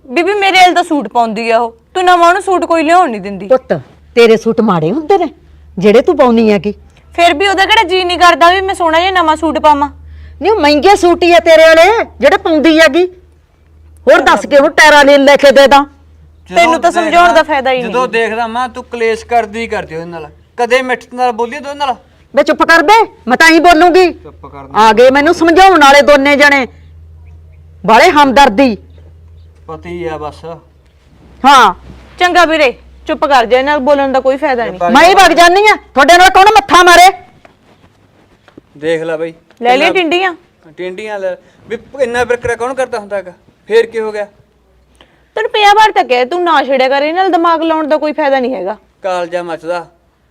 S2: ਬੀਬੀ ਮੇਰੇ ਵਾਲ ਦਾ ਸੂਟ ਪਾਉਂਦੀ ਆ ਉਹ, ਤੂੰ ਨਵਾਂ ਉਹਨੂੰ ਸੂਟ ਕੋਈ ਲਿਆਉਣ ਨਹੀਂ ਦਿੰਦੀ।
S4: ਪੁੱਤ ਤੇਰੇ ਸੂਟ ਮਾੜੇ ਹੁੰਦੇ ਨੇ ਜਿਹੜੇ ਤੂੰ ਪਾਉਣੀ ਹੈਗੀ।
S2: ਫਿਰ ਵੀ ਉਹਦਾ ਕਿਹੜਾ ਜੀ ਨਹੀਂ ਕਰਦਾ ਵੀ ਮੈਂ ਸੋਹਣਾ ਜਿਹਾ ਨਵਾਂ ਸੂਟ ਪਾਵਾਂ।
S4: ਨਹੀਂ ਉਹ ਮਹਿੰਗੇ ਸੂਟ ਹੀ ਆ ਤੇਰੇ ਵਾਲੇ ਜਿਹੜੇ ਪਾਉਂਦੀ ਹੈਗੀ। ਹੋਰ ਦੱਸ ਕੇ ਉਹ ਟੈਰਾ ਲੈ ਕੇ ਦੇ ਦਾਂ।
S2: ਤੈਨੂੰ ਤਾਂ ਸਮਝਾਉਣ ਦਾ ਫਾਇਦਾ ਹੀ ਨਹੀਂ।
S7: ਜਦੋਂ ਦੇਖਦਾ ਮਾਂ ਤੂੰ ਕਲੇਸ਼ ਕਰਦੀ ਉਹਦੇ ਨਾਲ, ਕਦੇ ਮਿੱਠ ਨਾਲ ਬੋਲੀ ਉਹਦੇ ਨਾਲ।
S4: ਵੇ ਚੁੱਪ ਕਰ ਬੇ, ਮੈਂ ਤਾਂ ਹੀ ਬੋਲੂੰਗੀ।
S7: ਚੁੱਪ ਕਰ।
S4: ਆ ਗਏ ਮੈਨੂੰ ਸਮਝਾਉਣ ਵਾਲੇ ਦੋਨੇ ਜਣੇ, ਬਾਲੇ ਹਮਦਰਦੀ।
S7: ਪਤੀ ਆ ਬਸ।
S4: ਹਾਂ
S2: ਚੰਗਾ ਵੀਰੇ ਚੁੱਪ ਕਰ ਜਾ, ਨਾਲ ਬੋਲਣ ਦਾ ਕੋਈ ਫਾਇਦਾ ਨਹੀਂ।
S4: ਮੈਂ ਹੀ ਵਗ ਜਾਨੀ ਆ, ਤੁਹਾਡੇ ਨਾਲ ਕੌਣ ਮੱਥਾ ਮਾਰੇ।
S7: ਦੇਖ ਲੈ ਬਈ,
S2: ਲੈ ਲਈ ਟਿੰਡੀਆਂ।
S7: ਟਿੰਡੀਆਂ ਲੈ ਵੀ ਇੰਨਾ ਬਿਰਕਰਾ ਕੌਣ ਕਰਦਾ ਹੁੰਦਾ ਹੈਗਾ। ਫੇਰ ਕੀ ਹੋ ਗਿਆ?
S2: ਤੈਨੂੰ ਪਿਆ ਵਾਰ ਤੱਕ ਹੈ, ਤੂੰ ਨਾ ਛੇੜਿਆ ਕਰ, ਇਹਨਾਂ ਨਾਲ ਦਿਮਾਗ ਲਾਉਣ ਦਾ ਕੋਈ ਫਾਇਦਾ ਨਹੀਂ ਹੈਗਾ।
S7: ਕਾਲਜਾ ਮੱਚਦਾ।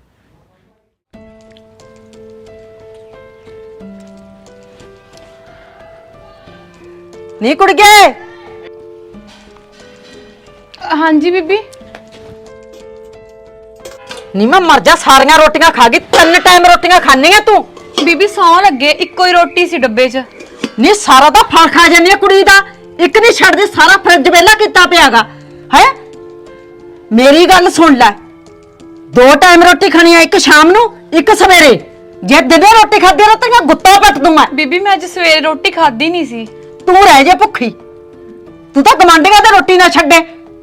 S4: ਨਹੀਂ ਕੁੜੀਏ।
S2: ਹਾਂਜੀ ਬੀਬੀ।
S4: ਨੀ ਮੈਂ ਮਰ ਜਾ, ਸਾਰੀਆਂ ਰੋਟੀਆਂ ਖਾ ਗਈ, 3 ਟਾਈਮ ਰੋਟੀਆਂ ਖਾਣੀਆਂ ਤੂੰ।
S2: ਬੀਬੀ ਸੌਂ ਲੱਗੇ, ਇੱਕੋ ਹੀ ਰੋਟੀ ਸੀ ਡੱਬੇ 'ਚ।
S4: ਨੀ ਸਾਰਾ ਤਾਂ ਫਲ ਖਾ ਜਾਂਦੀ ਆ ਕੁੜੀ ਦਾ, ਇੱਕ ਨਹੀਂ ਛੱਡਦੀ, ਸਾਰਾ ਫਰਿੱਜ ਵਿਹਲਾ ਕੀਤਾ ਪਿਆਗਾ ਹੈ। ਮੇਰੀ ਗੱਲ ਸੁਣ ਲੈ, 2 ਟਾਈਮ ਰੋਟੀ ਖਾਣੀ ਆ, ਇੱਕ ਸ਼ਾਮ ਨੂੰ ਇੱਕ ਸਵੇਰੇ। ਜੇ ਦਿਨੇ ਰੋਟੀ ਖਾਦੀ ਨਾ ਤਾਂ ਗੁੱਤਾ ਪੱਟ ਦੂੰ ਮੈਂ।
S2: ਬੀਬੀ ਮੈਂ ਅੱਜ ਸਵੇਰੇ ਰੋਟੀ ਖਾਧੀ ਨਹੀਂ ਸੀ।
S4: ਤੂੰ ਰਹਿ ਜੇ ਭੁੱਖੀ, ਤੂੰ ਤਾਂ ਗਵਾਂਢੀਆਂ ਤੇ ਰੋਟੀ ਨਾ ਛੱਡੇ।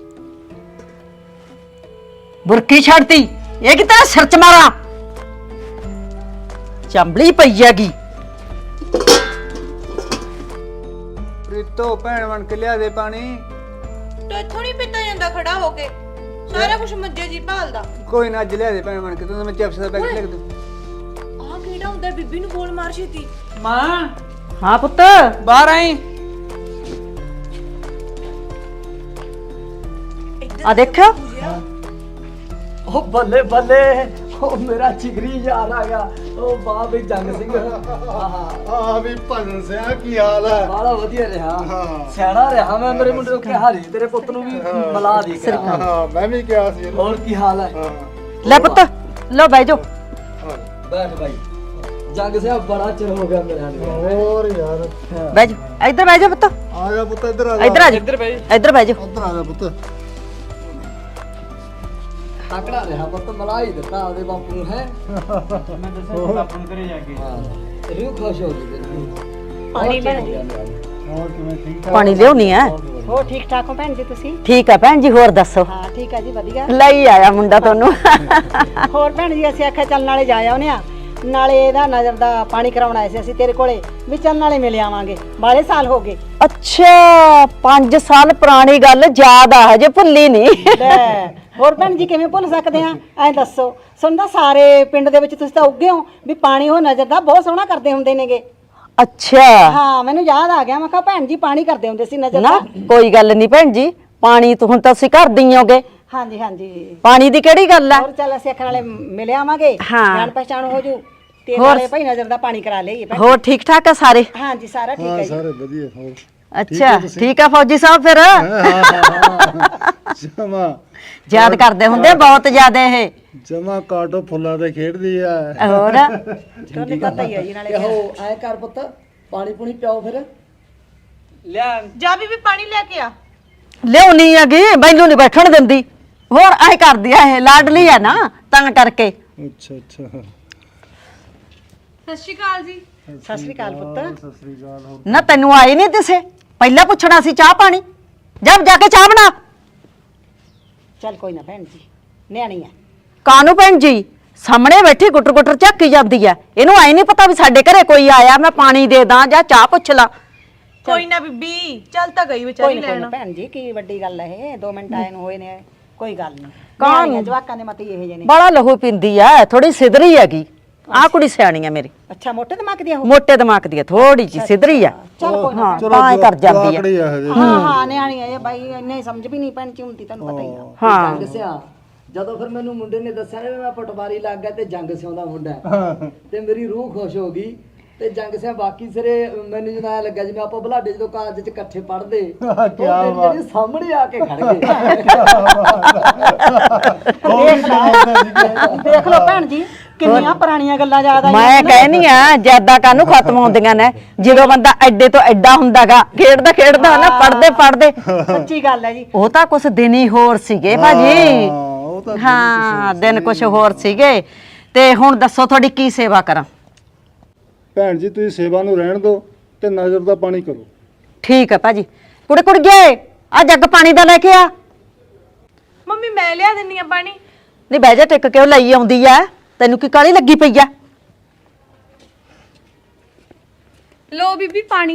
S4: ਬੁਰਕੀ ਛੱਡਤੀ, ਇਹ ਕਿ ਤੇਰਾ ਸਿਰ ਚ ਮਾਰਾਂ। ਚੰਬਲੀ ਪਈ ਹੈਗੀ।
S7: ਪ੍ਰੀਤੋ ਭੈਣ ਬਣ ਕੇ ਲਿਆ ਦੇ ਪਾਣੀ।
S2: ਤੇ ਇੱਥੋਂ ਨਹੀਂ ਪੀਤਾ ਜਾਂਦਾ ਖੜਾ ਹੋ ਕੇ, ਸਾਰਾ ਕੁਝ ਮੱਜੇ ਜੀ ਭਾਲਦਾ।
S7: ਕੋਈ ਨਾ ਅੱਜ ਲਿਆ ਦੇ ਭੈਣ ਬਣ ਕੇ, ਤੂੰ ਮੈਂ ਚਿਪਸ ਦਾ ਪੈਕਟ ਲਿਖ ਦੂੰ।
S2: ਆਹ ਕਿਹੜਾ ਹੁੰਦਾ, ਬੀਬੀ ਨੂੰ ਬੋਲ ਮਾਰ ਛੇਤੀ।
S7: ਮਾਂ
S4: ਹਾਂ ਪੁੱਤ,
S7: ਬਾਹਰ ਆਈ।
S4: ਆ ਦੇਖਿਓ।
S5: ਉਹ ਬੱਲੇ ਬੱਲੇ, ਉਹ ਮੇਰਾ ਜਿਗਰੀ ਯਾਰ ਆ ਗਿਆ। ਉਹ ਵਾਹ ਵੀ ਜੰਗ ਸਿੰਘ।
S6: ਆ ਵੀ ਭਜਨ ਸਿਆ ਕੀ ਹਾਲ ਹੈ?
S5: ਬਾਲਾ ਵਧੀਆ ਰਿਹਾ,
S6: ਹਾਂ।
S5: ਸਿਆਣਾ ਰਿਹਾ। ਮੈਂ ਮੇਰੇ ਮੁੰਡੇ ਨੂੰ ਕਿਹਾ ਸੀ ਤੇਰੇ ਪੁੱਤ ਨੂੰ ਵੀ ਮਿਲਾ ਦੇ ਕੇ।
S6: ਹਾਂ ਮੈਂ ਵੀ ਕਿਹਾ ਸੀ ਇਹਨੂੰ।
S5: ਹੋਰ ਕੀ ਹਾਲ ਹੈ?
S6: ਹਾਂ
S4: ਲੈ ਪੁੱਤ, ਲੋ ਬਹਿ ਜਾਓ।
S5: ਬੈਠ ਭਾਈ। ਜੰਗ ਸਿਆ ਬੜਾ ਚਿਰ ਹੋ ਗਿਆ ਮੇਰੇ ਨਾਲ।
S6: ਹੋਰ ਯਾਰ,
S4: ਬਹਿ ਜਾਓ, ਇੱਧਰ ਬਹਿ ਜਾਓ ਪੁੱਤ,
S6: ਆ ਜਾ ਪੁੱਤ, ਇੱਧਰ ਆ ਜਾ।
S4: ਇੱਧਰ ਆ ਜਾਓ,
S7: ਇੱਧਰ ਬਹਿ
S4: ਇੱਧਰ ਬਹਿ ਜਾਓ।
S6: ਉੱਧਰ ਆ ਜਾ ਪੁੱਤ।
S5: ਤਕੜਾ ਰਿਹਾ ਪੁੱਤ, ਮਿਲਾ ਹੀ ਦਿੱਤਾ ਉਹਦੇ ਬਾਪੂ ਨੂੰ ਹੈ।
S3: ਮੈਂ ਦੱਸਿਆ ਬਾਪੂ ਨੂੰ ਘਰੇ ਜਾ ਕੇ।
S5: ਰੂਹ ਖੁਸ਼ ਹੋ ਗਈ ਤੇਰੀ।
S4: ਪਾਣੀ ਬਣ ਗਿਆ।
S6: ਹੋਰ ਕਿਵੇਂ, ਠੀਕ ਠਾਕ?
S4: ਪਾਣੀ ਲਿਆਉਣੀ ਹੈ।
S8: ਹੋ ਠੀਕ ਠਾਕ ਹੋ ਭੈਣ ਜੀ ਤੁਸੀਂ?
S4: ਠੀਕ ਆ ਭੈਣ ਜੀ, ਹੋਰ ਦੱਸੋ।
S8: ਹਾਂ ਠੀਕ ਆ ਜੀ, ਵਧੀਆ।
S4: ਲਈ ਆਇਆ ਮੁੰਡਾ ਤੁਹਾਨੂੰ।
S8: ਹੋਰ ਭੈਣ ਜੀ ਅਸੀਂ ਆਖਿਆ ਚੱਲ ਨਾਲੇ ਜਾ ਆਉਨੇ ਆ, ਨਾਲੇ ਇਹਦਾ ਨਜ਼ਰ ਦਾ ਪਾਣੀ ਕਰਾਉਣ ਆਏ ਸੀ ਅਸੀਂ ਤੇਰੇ ਕੋਲੇ, ਵੀ ਚੱਲ ਨਾਲੇ ਮਿਲ ਆਵਾਂਗੇ, ਬਾਲੇ ਸਾਲ ਹੋ ਗਏ।
S4: ਅੱਛਾ 5 ਸਾਲ ਪੁਰਾਣੀ ਗੱਲ ਯਾਦ ਆ, ਹਜੇ ਭੁੱਲੀ ਨਹੀਂ।
S8: ਲੈ ਹੋਰ ਭੈਣ ਜੀ ਕਿਵੇਂ ਭੁੱਲ ਸਕਦੇ ਆ? ਐਂ ਦੱਸੋ, ਸੁਣਦਾ ਸਾਰੇ ਪਿੰਡ ਦੇ ਵਿੱਚ ਤੁਸੀਂ ਤਾਂ ਉੱਗੇ ਹੋ ਵੀ ਪਾਣੀ ਉਹ ਨਜ਼ਰ ਦਾ ਬਹੁਤ ਸੋਹਣਾ ਕਰਦੇ ਹੁੰਦੇ ਨੇਗੇ।
S4: ਅੱਛਾ
S8: ਹਾਂ ਮੈਨੂੰ ਯਾਦ ਆ ਗਿਆ, ਮੈਂ ਕਿਹਾ ਭੈਣ ਜੀ ਪਾਣੀ ਕਰਦੇ ਹੁੰਦੇ ਸੀ ਨਜ਼ਰ
S4: ਨਾ,
S8: ਦਾ।
S4: ਕੋਈ ਗੱਲ ਨਹੀਂ ਭੈਣ ਜੀ, ਪਾਣੀ ਤੋਂ ਹੁਣ ਤਾਂ ਅਸੀਂ ਘਰ ਦੀ ਹੋਗੇ,
S8: ਹਾਂਜੀ ਹਾਂਜੀ।
S4: ਪਾਣੀ ਦੀ ਕਿਹੜੀ ਗੱਲ ਆ।
S8: ਹੋਰ ਚੱਲ ਅਸੀਂ ਆਖਣ ਵਾਲੇ ਮਿਲ ਆਵਾਂਗੇ,
S4: ਹਾਂ।
S8: ਜਾਣ ਪਛਾਣ ਹੋ ਜੂ ਤੇ
S4: ਹੋਰ?
S8: ਨਾਲੇ ਭਾਈ ਨਜ਼ਰ ਦਾ ਪਾਣੀ ਕਰਾ ਲਈਏ ਭੈਣ।
S4: ਹੋਰ ਠੀਕ ਠਾਕ ਆ ਸਾਰੇ?
S8: ਹਾਂਜੀ ਸਾਰਾ ਠੀਕ
S6: ਹਾਂ
S8: ਹੈ ਜੀ।
S6: ਸਾਰੇ ਵਧੀਆ। ਹੋਰ
S4: ਅੱਛਾ ਠੀਕ ਆ ਫੌਜੀ ਸਾਹਿਬ, ਫਿਰ
S6: ਜਮਾ
S4: ਯਾਦ ਕਰਦੇ ਹੁੰਦੇ ਬਹੁਤ ਜ਼ਿਆਦਾ ਇਹ।
S6: ਜਮਾ ਕਾਟੋ ਫੁੱਲਾਂ ਤੇ ਖੇਡਦੀ ਆ।
S4: ਹੋਰ
S8: ਤੁਹਾਨੂੰ ਪਤਾ ਹੀ ਹੈ ਜੀ ਨਾਲੇ।
S5: ਉਹ ਐ ਕਰ ਪੁੱਤ, ਪਾਣੀ ਪੂਣੀ ਪਿਓ ਫਿਰ।
S7: ਲਿਆ।
S2: ਜਾ ਬੀਬੀ ਪਾਣੀ ਲੈ ਕੇ ਆ।
S4: ਲਿਆਉਣੀ ਹੈਗੀ, ਮੈਨੂੰ ਨਹੀਂ ਬੈਠਣ ਦਿੰਦੀ। ਹੋਰ ਐ ਕਰਦੀ ਆ, ਇਹ ਲਾਡਲੀ ਆ ਨਾ ਤਾਂ ਕਰਕੇ।
S6: ਅੱਛਾ ਅੱਛਾ,
S2: ਸਤਿ ਸ਼੍ਰੀ ਅਕਾਲ ਜੀ।
S8: ਸਤਿ ਸ੍ਰੀ ਅਕਾਲ ਪੁੱਤ।
S6: ਸਤਿ ਸ੍ਰੀ ਅਕਾਲ। ਹੋਰ
S4: ਨਾ ਤੈਨੂੰ ਆਏ ਨਹੀਂ ਦਿਸੇ, ਪਹਿਲਾਂ ਪੁੱਛਣਾ ਸੀ ਚਾਹ ਪਾਣੀ। ਜਾ ਕੇ ਚਾਹ ਬਣਾ।
S8: ਚੱਲ ਕੋਈ ਨਾ ਭੈਣ ਜੀ, ਨਿਆਣੀ ਆ।
S4: ਕਾਨੂੰ ਭੈਣ ਜੀ, ਸਾਹਮਣੇ ਬੈਠੀ ਗੁੱਟਰ ਗੁੱਟਰ ਝਾਕੀ ਜਾਂਦੀ ਆ, ਇਹਨੂੰ ਆਏ ਨਹੀਂ ਪਤਾ ਵੀ ਸਾਡੇ ਘਰੇ ਕੋਈ ਆਇਆ, ਮੈਂ ਪਾਣੀ ਦੇ ਦਾਂ ਜਾਂ ਚਾਹ ਪੁੱਛ ਲਾਂ।
S2: ਕੋਈ ਨਾ ਬੀਬੀ, ਚੱਲ ਤਾਂ ਗਈ
S8: ਕੋਈ
S2: ਵਿਚਾਰੀ
S8: ਨਾ ਕੋਈ
S2: ਲੈਣ।
S8: ਨਾ ਭੈਣ ਜੀ, ਕੀ ਵੱਡੀ ਗੱਲ ਹੈ ਇਹ, 2 ਮਿੰਟ ਆਏ ਨੂੰ ਹੋਏ ਨੇ, ਕੋਈ ਗੱਲ ਨਹੀਂ।
S4: ਕਾਹਨੂੰ?
S8: ਨਿਆਣੀਆਂ ਜਵਾਕਾਂ ਦੇ ਮਤੀ ਇਹੋ ਜਿਹੇ ਨੇ।
S4: ਬੜਾ ਲਹੂ ਪਿੰਦੀ ਆ, ਥੋੜੀ ਸਿਧਰੀ ਹੈਗੀ। ਆਹ ਕੁੜੀ ਸਿਆਣੀ ਆ ਮੇਰੀ,
S8: ਅੱਛਾ ਮੋਟੇ ਦਿਮਾਗ ਦੀ ਆ ਉਹ?
S4: ਮੋਟੇ ਦਿਮਾਗ ਦੀ ਆ, ਥੋੜੀ ਜੀ ਸਿਧਰੀ ਆ।
S8: ਚੱਲ ਕੋਈ ਨਾ।
S4: ਹਾਂ ਤਾਂ ਕਰ ਜਾਂਦੀ ਆ।
S6: ਜਵਾਕੜੀ ਆ ਹਜੇ।
S8: ਹਾਂ ਹਾਂ ਨਿਆਣੀ ਆ ਇਹ ਬਾਈ, ਇੰਨੇ ਸਮਝ ਵੀ ਨਹੀਂ ਭੈਣ ਜੀ ਹੁੰਦੀ, ਤੁਹਾਨੂੰ ਪਤਾ ਹੀ ਆ।
S4: ਹਾਂ
S5: ਜੰਗ ਸਿਆ ਜਦੋਂ ਫਿਰ ਮੈਨੂੰ ਮੁੰਡੇ ਨੇ ਦੱਸਿਆ ਨਾ ਵੀ ਮੈਂ ਪਟਵਾਰੀ ਲੱਗ ਗਿਆ ਤੇ ਜੰਗ ਸਿਉਂ ਦਾ ਮੁੰਡਾ ਹੈ, ਤੇ ਮੇਰੀ ਰੂਹ ਖੁਸ਼ ਹੋ ਗਈ। ਤੇ ਜੰਗ ਸਿਆ ਬਾਕੀ ਸਿਰੇ ਮੈਨੂੰ ਜਦੋਂ ਐਂ ਲੱਗਾ ਜਿਵੇਂ ਆਪਾਂ ਬਲਾਡੇ ਜਦੋਂ ਕਾਲਜ ਚ ਇਕੱਠੇ ਪੜ੍ਹਦੇ, ਉਹ ਜਿਹੜੀ ਸਾਹਮਣੇ ਆ ਕੇ ਖੜ ਗਏ।
S8: ਦੇਖ ਲਓ ਭੈਣ ਜੀ, ਕਿੰਨੀਆਂ ਪੁਰਾਣੀਆਂ ਗੱਲਾਂ ਯਾਦ ਆਈਆਂ
S4: ਮੈਂ ਕਹਿਨੀ ਆ ਜਿਆਦਾ ਕਾਹਨੂੰ ਖਤਮ ਹੁੰਦੀਆਂ ਨੇ ਜਦੋਂ ਬੰਦਾ ਐਡੇ ਤੋਂ ਐਡਾ ਹੁੰਦਾਗਾ ਖੇਡਦਾ ਖੇਡਦਾ ਨਾ ਪੜਦੇ ਪੜਦੇ
S8: ਸੱਚੀ ਗੱਲ ਹੈ ਜੀ।
S4: ਉਹ ਤਾਂ ਕੁਛ ਦਿਨ ਹੀ ਹੋਰ ਸੀਗੇ ਭਾਜੀ।
S6: ਉਹ ਤਾਂ
S4: ਹਾਂ ਦਿਨ ਕੁਛ ਹੋਰ ਸੀਗੇ। ਤੇ ਹੁਣ ਦੱਸੋ ਤੁਹਾਡੀ ਕੀ ਸੇਵਾ ਕਰਾਂ?
S6: ਭੈਣ ਜੀ ਤੁਸੀਂ ਸੇਵਾ ਨੂੰ ਰਹਿਣ ਦਿਓ ਤੇ ਨਜ਼ਰ ਦਾ ਪਾਣੀ ਕਰੋ।
S4: ਠੀਕ ਹੈ ਭਾਜੀ। ਕੁੜੇ ਕੁੜ ਗਏ ਆ ਜੱਗ ਪਾਣੀ ਦਾ ਲੈ ਕੇ ਆ।
S2: ਮੰਮੀ ਮੈਂ ਲਿਆ ਦਿੰਨੀ ਆ ਪਾਣੀ।
S4: ਨਹੀਂ ਬਹਿ ਜਾ ਟਿਕ ਕਿਉਂ ਲਈ ਆਉਂਦੀ ਆ? ਤੈਨੂੰ ਕੀ ਕਾਲੀ ਲੱਗੀ ਪਈ ਆ?
S2: ਲੋ ਬੀਬੀ ਪਾਣੀ।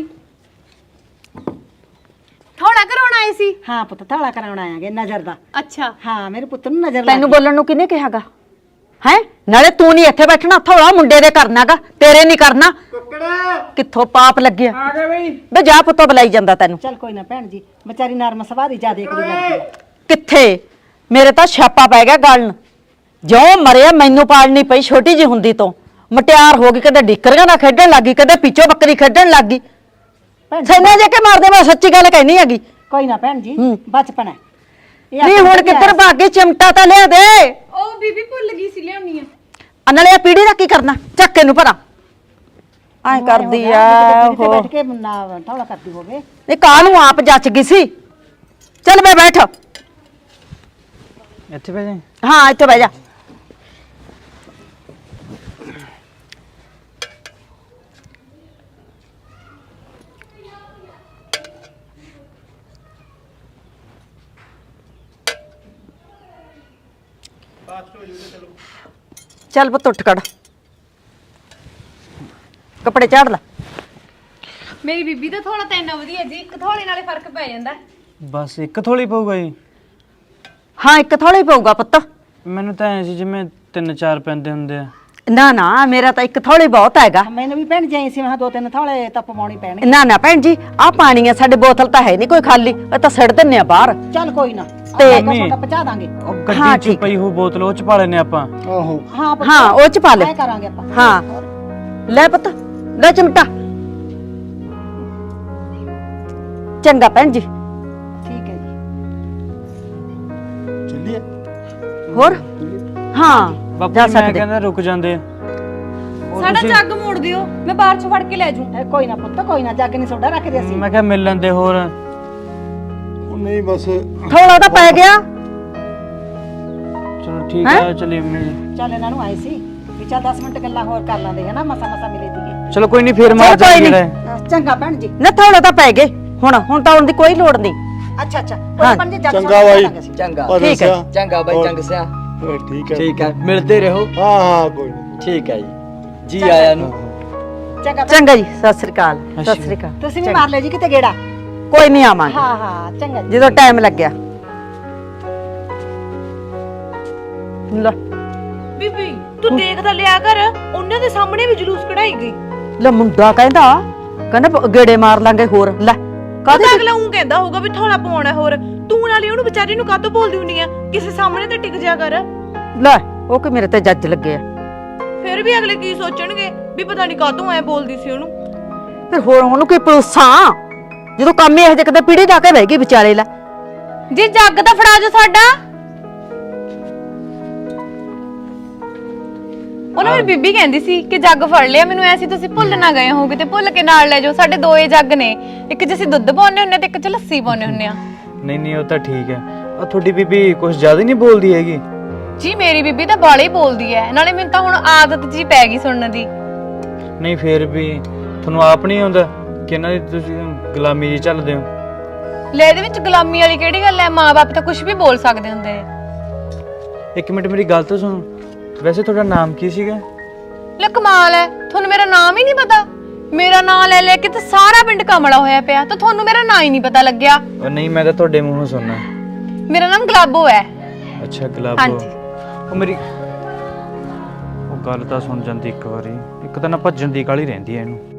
S2: ਥੋੜਾ ਕਰਾਉਣਾ ਆਏ ਸੀ।
S8: ਹਾਂ ਪੁੱਤ ਥਾਲਾ ਕਰਾਉਣ ਆਇਆਗੇ ਨਜ਼ਰ ਦਾ।
S2: ਅੱਛਾ
S8: ਹਾਂ ਮੇਰੇ ਪੁੱਤ ਨੂੰ ਨਜ਼ਰ ਲੱਗ
S4: ਤੈਨੂੰ ਬੋਲਣ ਨੂੰ ਕਿਹਨੇ ਕਿਹਾਗਾ? ਹੈ ਨਾਲੇ ਤੂੰ ਨਹੀਂ ਇੱਥੇ ਬੈਠਣਾ, ਥੋੜਾ ਮੁੰਡੇ ਦੇ ਕਰਨਾਗਾ, ਤੇਰੇ ਨਹੀਂ ਕਰਨਾ। ਕਿੱਥੋਂ ਪਾਪ ਲੱਗਿਆ? ਆ ਗਿਆ ਬਈ ਬੇ ਜਾ ਪੁੱਤੋ ਬੁਲਾਈ ਜਾਂਦਾ ਤੈਨੂੰ।
S8: ਚੱਲ ਕੋਈ ਨਾ ਭੈਣ ਜੀ ਵਿਚਾਰੀ ਨਰਮ ਸਵਾਰੀ ਜਿਆਦੇ ਕੁੜੀ ਲੱਗਦੀ ਹੈ।
S4: ਕਿੱਥੇ ਮੇਰੇ ਤਾਂ ਛਾਪਾ ਪੈ ਗਿਆ ਗਲਣ। ਜਿਉਂ ਮਰਿਆ ਮੈਨੂੰ ਪਾਲਣੀ ਪਈ ਛੋਟੀ ਜੀ ਹੁੰਦੀ ਤੋਂ। ਮਟਿਆਰ ਹੋ ਗਈ, ਕਦੇ ਡਿੱਕਰੀਆਂ ਨਾਲ ਖੇਡਣ ਲੱਗੀ, ਕਦੇ ਪਿੱਛੋਂ ਬੱਕਰੀ ਖੇਡਣ ਲੱਗੀ। ਸੈਨਾ ਜੇ ਕੇ ਮਾਰਦੇ, ਮੈਂ ਸੱਚੀ ਗੱਲ ਕਹਿਨੀ ਹੈਗੀ।
S8: ਕੋਈ ਨਾ ਭੈਣ ਜੀ ਬਚਪਨ ਹੈ। ਇਹ
S4: ਨਹੀਂ
S8: ਆਪਣਾ
S4: ਹੁਣ ਕਿੱਧਰ ਭਾਗੇ? ਚਿਮਟਾ ਤਾਂ ਲਿਆ ਦੇ।
S2: ਉਹ ਬੀਬੀ ਭੁੱਲ ਗਈ ਸੀ ਲਿਆਉਣੀ ਆ।
S4: ਅਨਲੇ ਪੀੜੀ ਦਾ ਕੀ ਕਰਨਾ? ਚੱਕੇ ਨੂੰ ਭਰਾ ਐ ਕਰਦੀ ਆ
S8: ਕਿਤੇ
S4: ਉਹ।
S8: ਬੈਠ ਕੇ ਨਾ ਥੋੜਾ ਕਰਦੀ ਹੋਵੇ।
S4: ਇਹ ਕਾਹ ਨੂੰ ਆਪ ਜੱਚ ਗਈ ਸੀ। ਚੱਲ ਬੈ ਬੈਠ।
S3: ਇੱਥੇ ਬਹਿ ਜਾ।
S4: ਹਾਂ ਇੱਥੇ ਬਹਿ ਜਾ। ਚੱਲ ਪੁੱਤ ਉੱਠ ਖੜ, ਕੱਪੜੇ ਝਾੜ ਲੈ।
S2: ਮੇਰੀ ਬੀਬੀ ਦਾ ਥੋੜਾ ਤਾਂ ਇੰਨਾ ਵਧੀਆ ਜੀ, ਇੱਕ ਥੋੜੇ ਨਾਲੇ ਫਰਕ ਪੈ ਜਾਂਦਾ।
S3: ਬਸ ਇੱਕ ਥੋੜੀ ਪਊਗਾ ਜੀ।
S4: ਹਾਂ ਇੱਕ ਥੋੜਾ ਹੀ ਪਊਗਾ ਪੁੱਤ।
S3: ਮੈਨੂੰ ਤਾਂ ਐ ਸੀ ਜਿਵੇਂ 3-4 ਪੈਂਦੇ ਹੁੰਦੇ ਆ।
S4: ਨਾ ਨਾ ਮੇਰਾ ਤਾਂ ਇੱਕ ਥੋੜਾ ਹੀ ਬਹੁਤ ਹੈਗਾ।
S8: ਮੈਨੂੰ ਵੀ ਭੈਣ ਜਾਈ ਸੀ ਮੈਂ ਦੋ ਤਿੰਨ ਥਾਲੇ ਤਾਂ ਪਵਾਉਣੀ ਪੈਣਗੇ।
S4: ਨਾ ਨਾ ਭੈਣ ਜੀ ਆਹ ਪਾਣੀ ਆ ਸਾਡੇ, ਬੋਤਲ ਤਾਂ ਹੈ ਨਹੀਂ ਕੋਈ ਖਾਲੀ, ਇਹ ਤਾਂ ਸਿੱਟ ਦਿੰਨੇ ਆ ਬਾਹਰ।
S8: ਚੱਲ ਕੋਈ ਨਾ
S4: ਤੇ
S8: ਛੋਟਾ ਪਹੁੰਚਾ ਦਾਂਗੇ।
S3: ਉਹ
S4: ਹਾਂ,
S3: ਗੱਡੀ 'ਚ
S4: ਠੀਕ
S3: ਪਈ ਹੋ ਬੋਤਲ ਉਹ 'ਚ ਪਾ ਲੈਨੇ ਆਪਾਂ।
S6: ਆਹੋ
S8: ਹਾਂ ਪੁੱਤ,
S4: ਹਾਂ ਉਹ ਚ ਪਾ ਲੈ।
S8: ਐਂ ਕਰਾਂਗੇ ਆਪਾਂ।
S4: ਹਾਂ ਲੈ ਪੁੱਤ ਲੈ ਚਮਟਾ। ਚੰਗਾ ਭੈਣ ਜੀ।
S8: ਠੀਕ ਹੈ ਜੀ।
S6: ਚੱਲੀਏ।
S4: ਹੋਰ ਹਾਂ
S3: ਬਾਪੂ
S4: ਜਾ
S3: ਜੀ ਮੈਂ
S4: ਸਕਦੇ।
S3: ਕਹਿੰਦਾ ਰੁਕ ਜਾਂਦੇ।
S2: ਸਾਡਾ ਜੱਗ ਮੋੜ ਦਿਓ, ਮੈਂ ਬਾਹਰ ਚ ਫੜ ਕੇ ਲੈ ਜੂ।
S8: ਕੋਈ ਨਾ ਪੁੱਤ ਕੋਈ ਨਾ, ਜੱਗ ਨਹੀਂ ਸੋਡਾ ਰੱਖਦੇ ਅਸੀਂ।
S3: ਮੈਂ ਕਿਹਾ ਮਿਲ ਲੈਂਦੇ ਹੋਰ।
S6: ਉਹ ਨਹੀਂ ਬਸ
S4: ਥੋੜਾ ਤਾਂ ਪੈ ਗਿਆ।
S3: ਚਲੋ ਠੀਕ ਆ ਚਲੀ ਮੰਮੀ ਜੀ।
S8: ਚੱਲ ਇਹਨਾਂ ਨੂੰ ਆਏ ਸੀ ਵੀ ਚੱਲ 10 ਮਿੰਟ ਗੱਲਾਂ ਹੋਰ ਕਰ ਲਾਂਦੇ ਹਨਾ, ਮਸਾ ਮਸਾ ਮਿਲੇ ਦੀਏ।
S3: ਚਲੋ ਕੋਈ ਨਹੀਂ ਫੇਰ ਮਾਰ
S4: ਚੱਲ ਕੋਈ
S3: ਜਾਈਏ।
S4: ਨੀ।
S8: ਚੰਗਾ ਭੈਣ ਜੀ।
S4: ਨਾ ਥੋੜਾ ਤਾਂ ਪੈ ਗਏ ਹੁਣ ਤਾਂ ਆਉਣ ਦੀ ਕੋਈ ਲੋੜ ਨਹੀਂ।
S8: ਅੱਛਾ ਅੱਛਾ
S4: ਹਾਂ,
S8: ਕੋਈ ਪੰਜ ਜੱਗ
S6: ਚੰਗਾ ਬਾਈ।
S5: ਚੰਗਾ
S6: ਪਰ
S4: ਠੀਕ ਹੈ।
S6: ਦੱਸਿਆ।
S5: ਚੰਗਾ ਬਾਈ ਚੰਗ ਸਿਆ।
S6: ਠੀਕ ਹੈ
S5: ਠੀਕ ਹੈ ਮਿਲਦੇ ਰਹੋ।
S6: ਹਾਂ ਹਾਂ ਕੋਈ ਨਹੀਂ।
S5: ਠੀਕ ਹੈ ਜੀ ਆਇਆਂ ਨੂੰ।
S8: ਚੰਗਾ
S4: ਚੰਗਾ ਜੀ ਸਤਿ ਸ੍ਰੀ ਅਕਾਲ। ਸਤਿ ਸ੍ਰੀ ਅਕਾਲ।
S8: ਤੁਸੀਂ ਵੀ ਮਾਰ ਲਿਓ ਜੀ ਕਿਤੇ ਗੇੜਾ।
S4: ਕੋਈ ਨਹੀਂ ਆਵਾਂਗੇ
S8: ਹਾਂ ਹਾਂ ਚੰਗਾ ਜੀ।
S4: ਜਦੋਂ ਟਾਈਮ ਲੱਗਿਆ। ਲੈ
S2: ਬੀਬੀ ਤੂੰ ਦੇਖ ਤਾਂ ਲਿਆ ਕਰ, ਉਹਨਾਂ ਦੇ ਸਾਹਮਣੇ ਵੀ ਜਲੂਸ ਕਢਾਈ ਗਈ।
S4: ਲੈ ਮੁੰਡਾ ਕਹਿੰਦਾ ਗੇੜੇ ਮਾਰ ਲਾਂਗੇ ਹੋਰ। ਲੈ ਕਾਹਦੇ
S2: ਅਗਲਾ ਉਹ ਕਹਿੰਦਾ ਹੋਊਗਾ ਵੀ ਥੋੜਾ ਪਾਉਣਾ ਹੋਰ, ਤੂੰ ਨਾਲੇ ਉਹਨੂੰ ਵਿਚਾਰੀ ਨੂੰ ਕਾਹਤੋਂ ਬੋਲਦੀ ਹੁੰਨੀ ਆ? ਕਿਸੇ ਸਾਹਮਣੇ ਤੇ ਟਿਕ ਜਾ ਕਰ।
S4: ਲੈ ਉਹ ਕਿ ਮੇਰੇ ਤੇ ਜੱਜ ਲੱਗੇ ਆ।
S2: ਫਿਰ ਵੀ ਅਗਲੇ ਕੀ ਸੋਚਣਗੇ ਵੀ ਪਤਾ ਨਹੀਂ ਕਾਹਤੋਂ ਐ ਬੋਲਦੀ ਸੀ ਉਹਨੂੰ।
S4: ਫਿਰ ਹੋਰ ਉਹਨੂੰ ਕੀ ਪਲੂਸਾਂ ਜਦੋਂ ਕੰਮ ਇਹ ਜੇ ਕਦੇ ਪੀੜੀ ਢਾ ਕੇ ਬਹਿ ਗਈ ਵਿਚਾਲੇ। ਲੈ
S2: ਜੀ ਜੱਗ ਤਾਂ ਫੜਾ ਜੋ ਸਾਡਾ। ਉਹਨਾਂ ਮੇਰੀ ਬੀਬੀ ਕਹਿੰਦੀ ਸੀ ਕਿ ਜੱਗ ਫੜ ਲਿਆ, ਮੈਨੂੰ ਐਸੀ ਤੁਸੀਂ ਭੁੱਲ ਨਾ ਗਏ ਹੋਗੇ ਤੇ ਭੁੱਲ ਕੇ ਨਾਲ ਲੈ ਜਾਓ। ਸਾਡੇ ਦੋਏ ਜੱਗ ਨੇ, ਇੱਕ 'ਚ ਅਸੀਂ ਦੁੱਧ ਪਾਉਂਦੇ ਹੁੰਨੇ ਤੇ ਇੱਕ 'ਚ ਲੱਸੀ ਪਾਉਂਦੇ ਹੁੰਨੇ ਆ।
S3: ਨਹੀਂ ਉਹ ਤਾਂ ਠੀਕ ਹੈ। ਆ ਤੁਹਾਡੀ ਬੀਬੀ ਕੁਝ ਜ਼ਿਆਦਾ ਨਹੀਂ ਬੋਲਦੀ ਹੈਗੀ।
S2: ਜੀ ਮੇਰੀ ਬੀਬੀ ਤਾਂ ਬਾਲੀ ਬੋਲਦੀ ਐ, ਨਾਲੇ ਮੈਨੂੰ ਤਾਂ ਹੁਣ ਆਦਤ ਜੀ ਪੈ ਗਈ ਸੁਣਨ ਦੀ।
S3: ਨਹੀਂ ਫੇਰ ਵੀ ਤੁਹਾਨੂੰ ਆਪ ਨਹੀਂ ਆਉਂਦਾ ਕਿ ਇਹਨਾਂ ਦੀ ਤੁਸੀਂ ਗੁਲਾਮੀ ਜੀ ਚੱਲਦੇ ਹੋ?
S2: ਲੈ ਇਹਦੇ ਵਿੱਚ ਗੁਲਾਮੀ ਵਾਲੀ ਕਿਹੜੀ ਗੱਲ ਐ? ਮਾਂ-ਬਾਪ ਤਾਂ ਕੁਝ ਵੀ ਬੋਲ ਸਕਦੇ ਹੁੰਦੇ ਨੇ।
S3: ਇੱਕ ਮਿੰਟ ਮੇਰੀ ਗੱਲ ਤਾਂ ਸੁਣੋ। ਵੈਸੇ ਤੁਹਾਡਾ ਨਾਮ ਕੀ ਸੀਗਾ?
S2: ਲੈ ਕਮਾਲ ਐ, ਤੁਹਾਨੂੰ ਮੇਰਾ ਨਾਮ ਹੀ ਨਹੀਂ ਪਤਾ? ਮੇਰਾ ਨਾਮ ਲੈ ਲੈ ਕੇ ਤਾਂ ਸਾਰਾ ਪਿੰਡ ਕਮਲਾ ਹੋਇਆ ਪਿਆ, ਤਾਂ ਤੁਹਾਨੂੰ ਮੇਰਾ ਨਾਂ ਹੀ ਨਹੀਂ ਪਤਾ ਲੱਗਿਆ।
S3: ਉਹ ਨਹੀਂ ਮੈਂ ਤਾਂ ਤੁਹਾਡੇ ਮੂੰਹੋਂ ਸੁਣਨਾ।
S2: ਮੇਰਾ ਨਾਮ ਗੁਲਾਬੋ ਹੈ।
S3: ਅੱਛਾ ਗੁਲਾਬੋ।
S2: ਹਾਂਜੀ।
S3: ਉਹ ਮੇਰੀ ਉਹ ਗੱਲ ਤਾਂ ਸੁਣ ਜਾਂਦੀ ਇੱਕ ਵਾਰੀ, ਇੱਕ ਤਾਂ ਨਾ ਭੱਜਣ ਦੀ ਕਾਹਲੀ ਰਹਿੰਦੀ ਐ ਇਹਨੂੰ।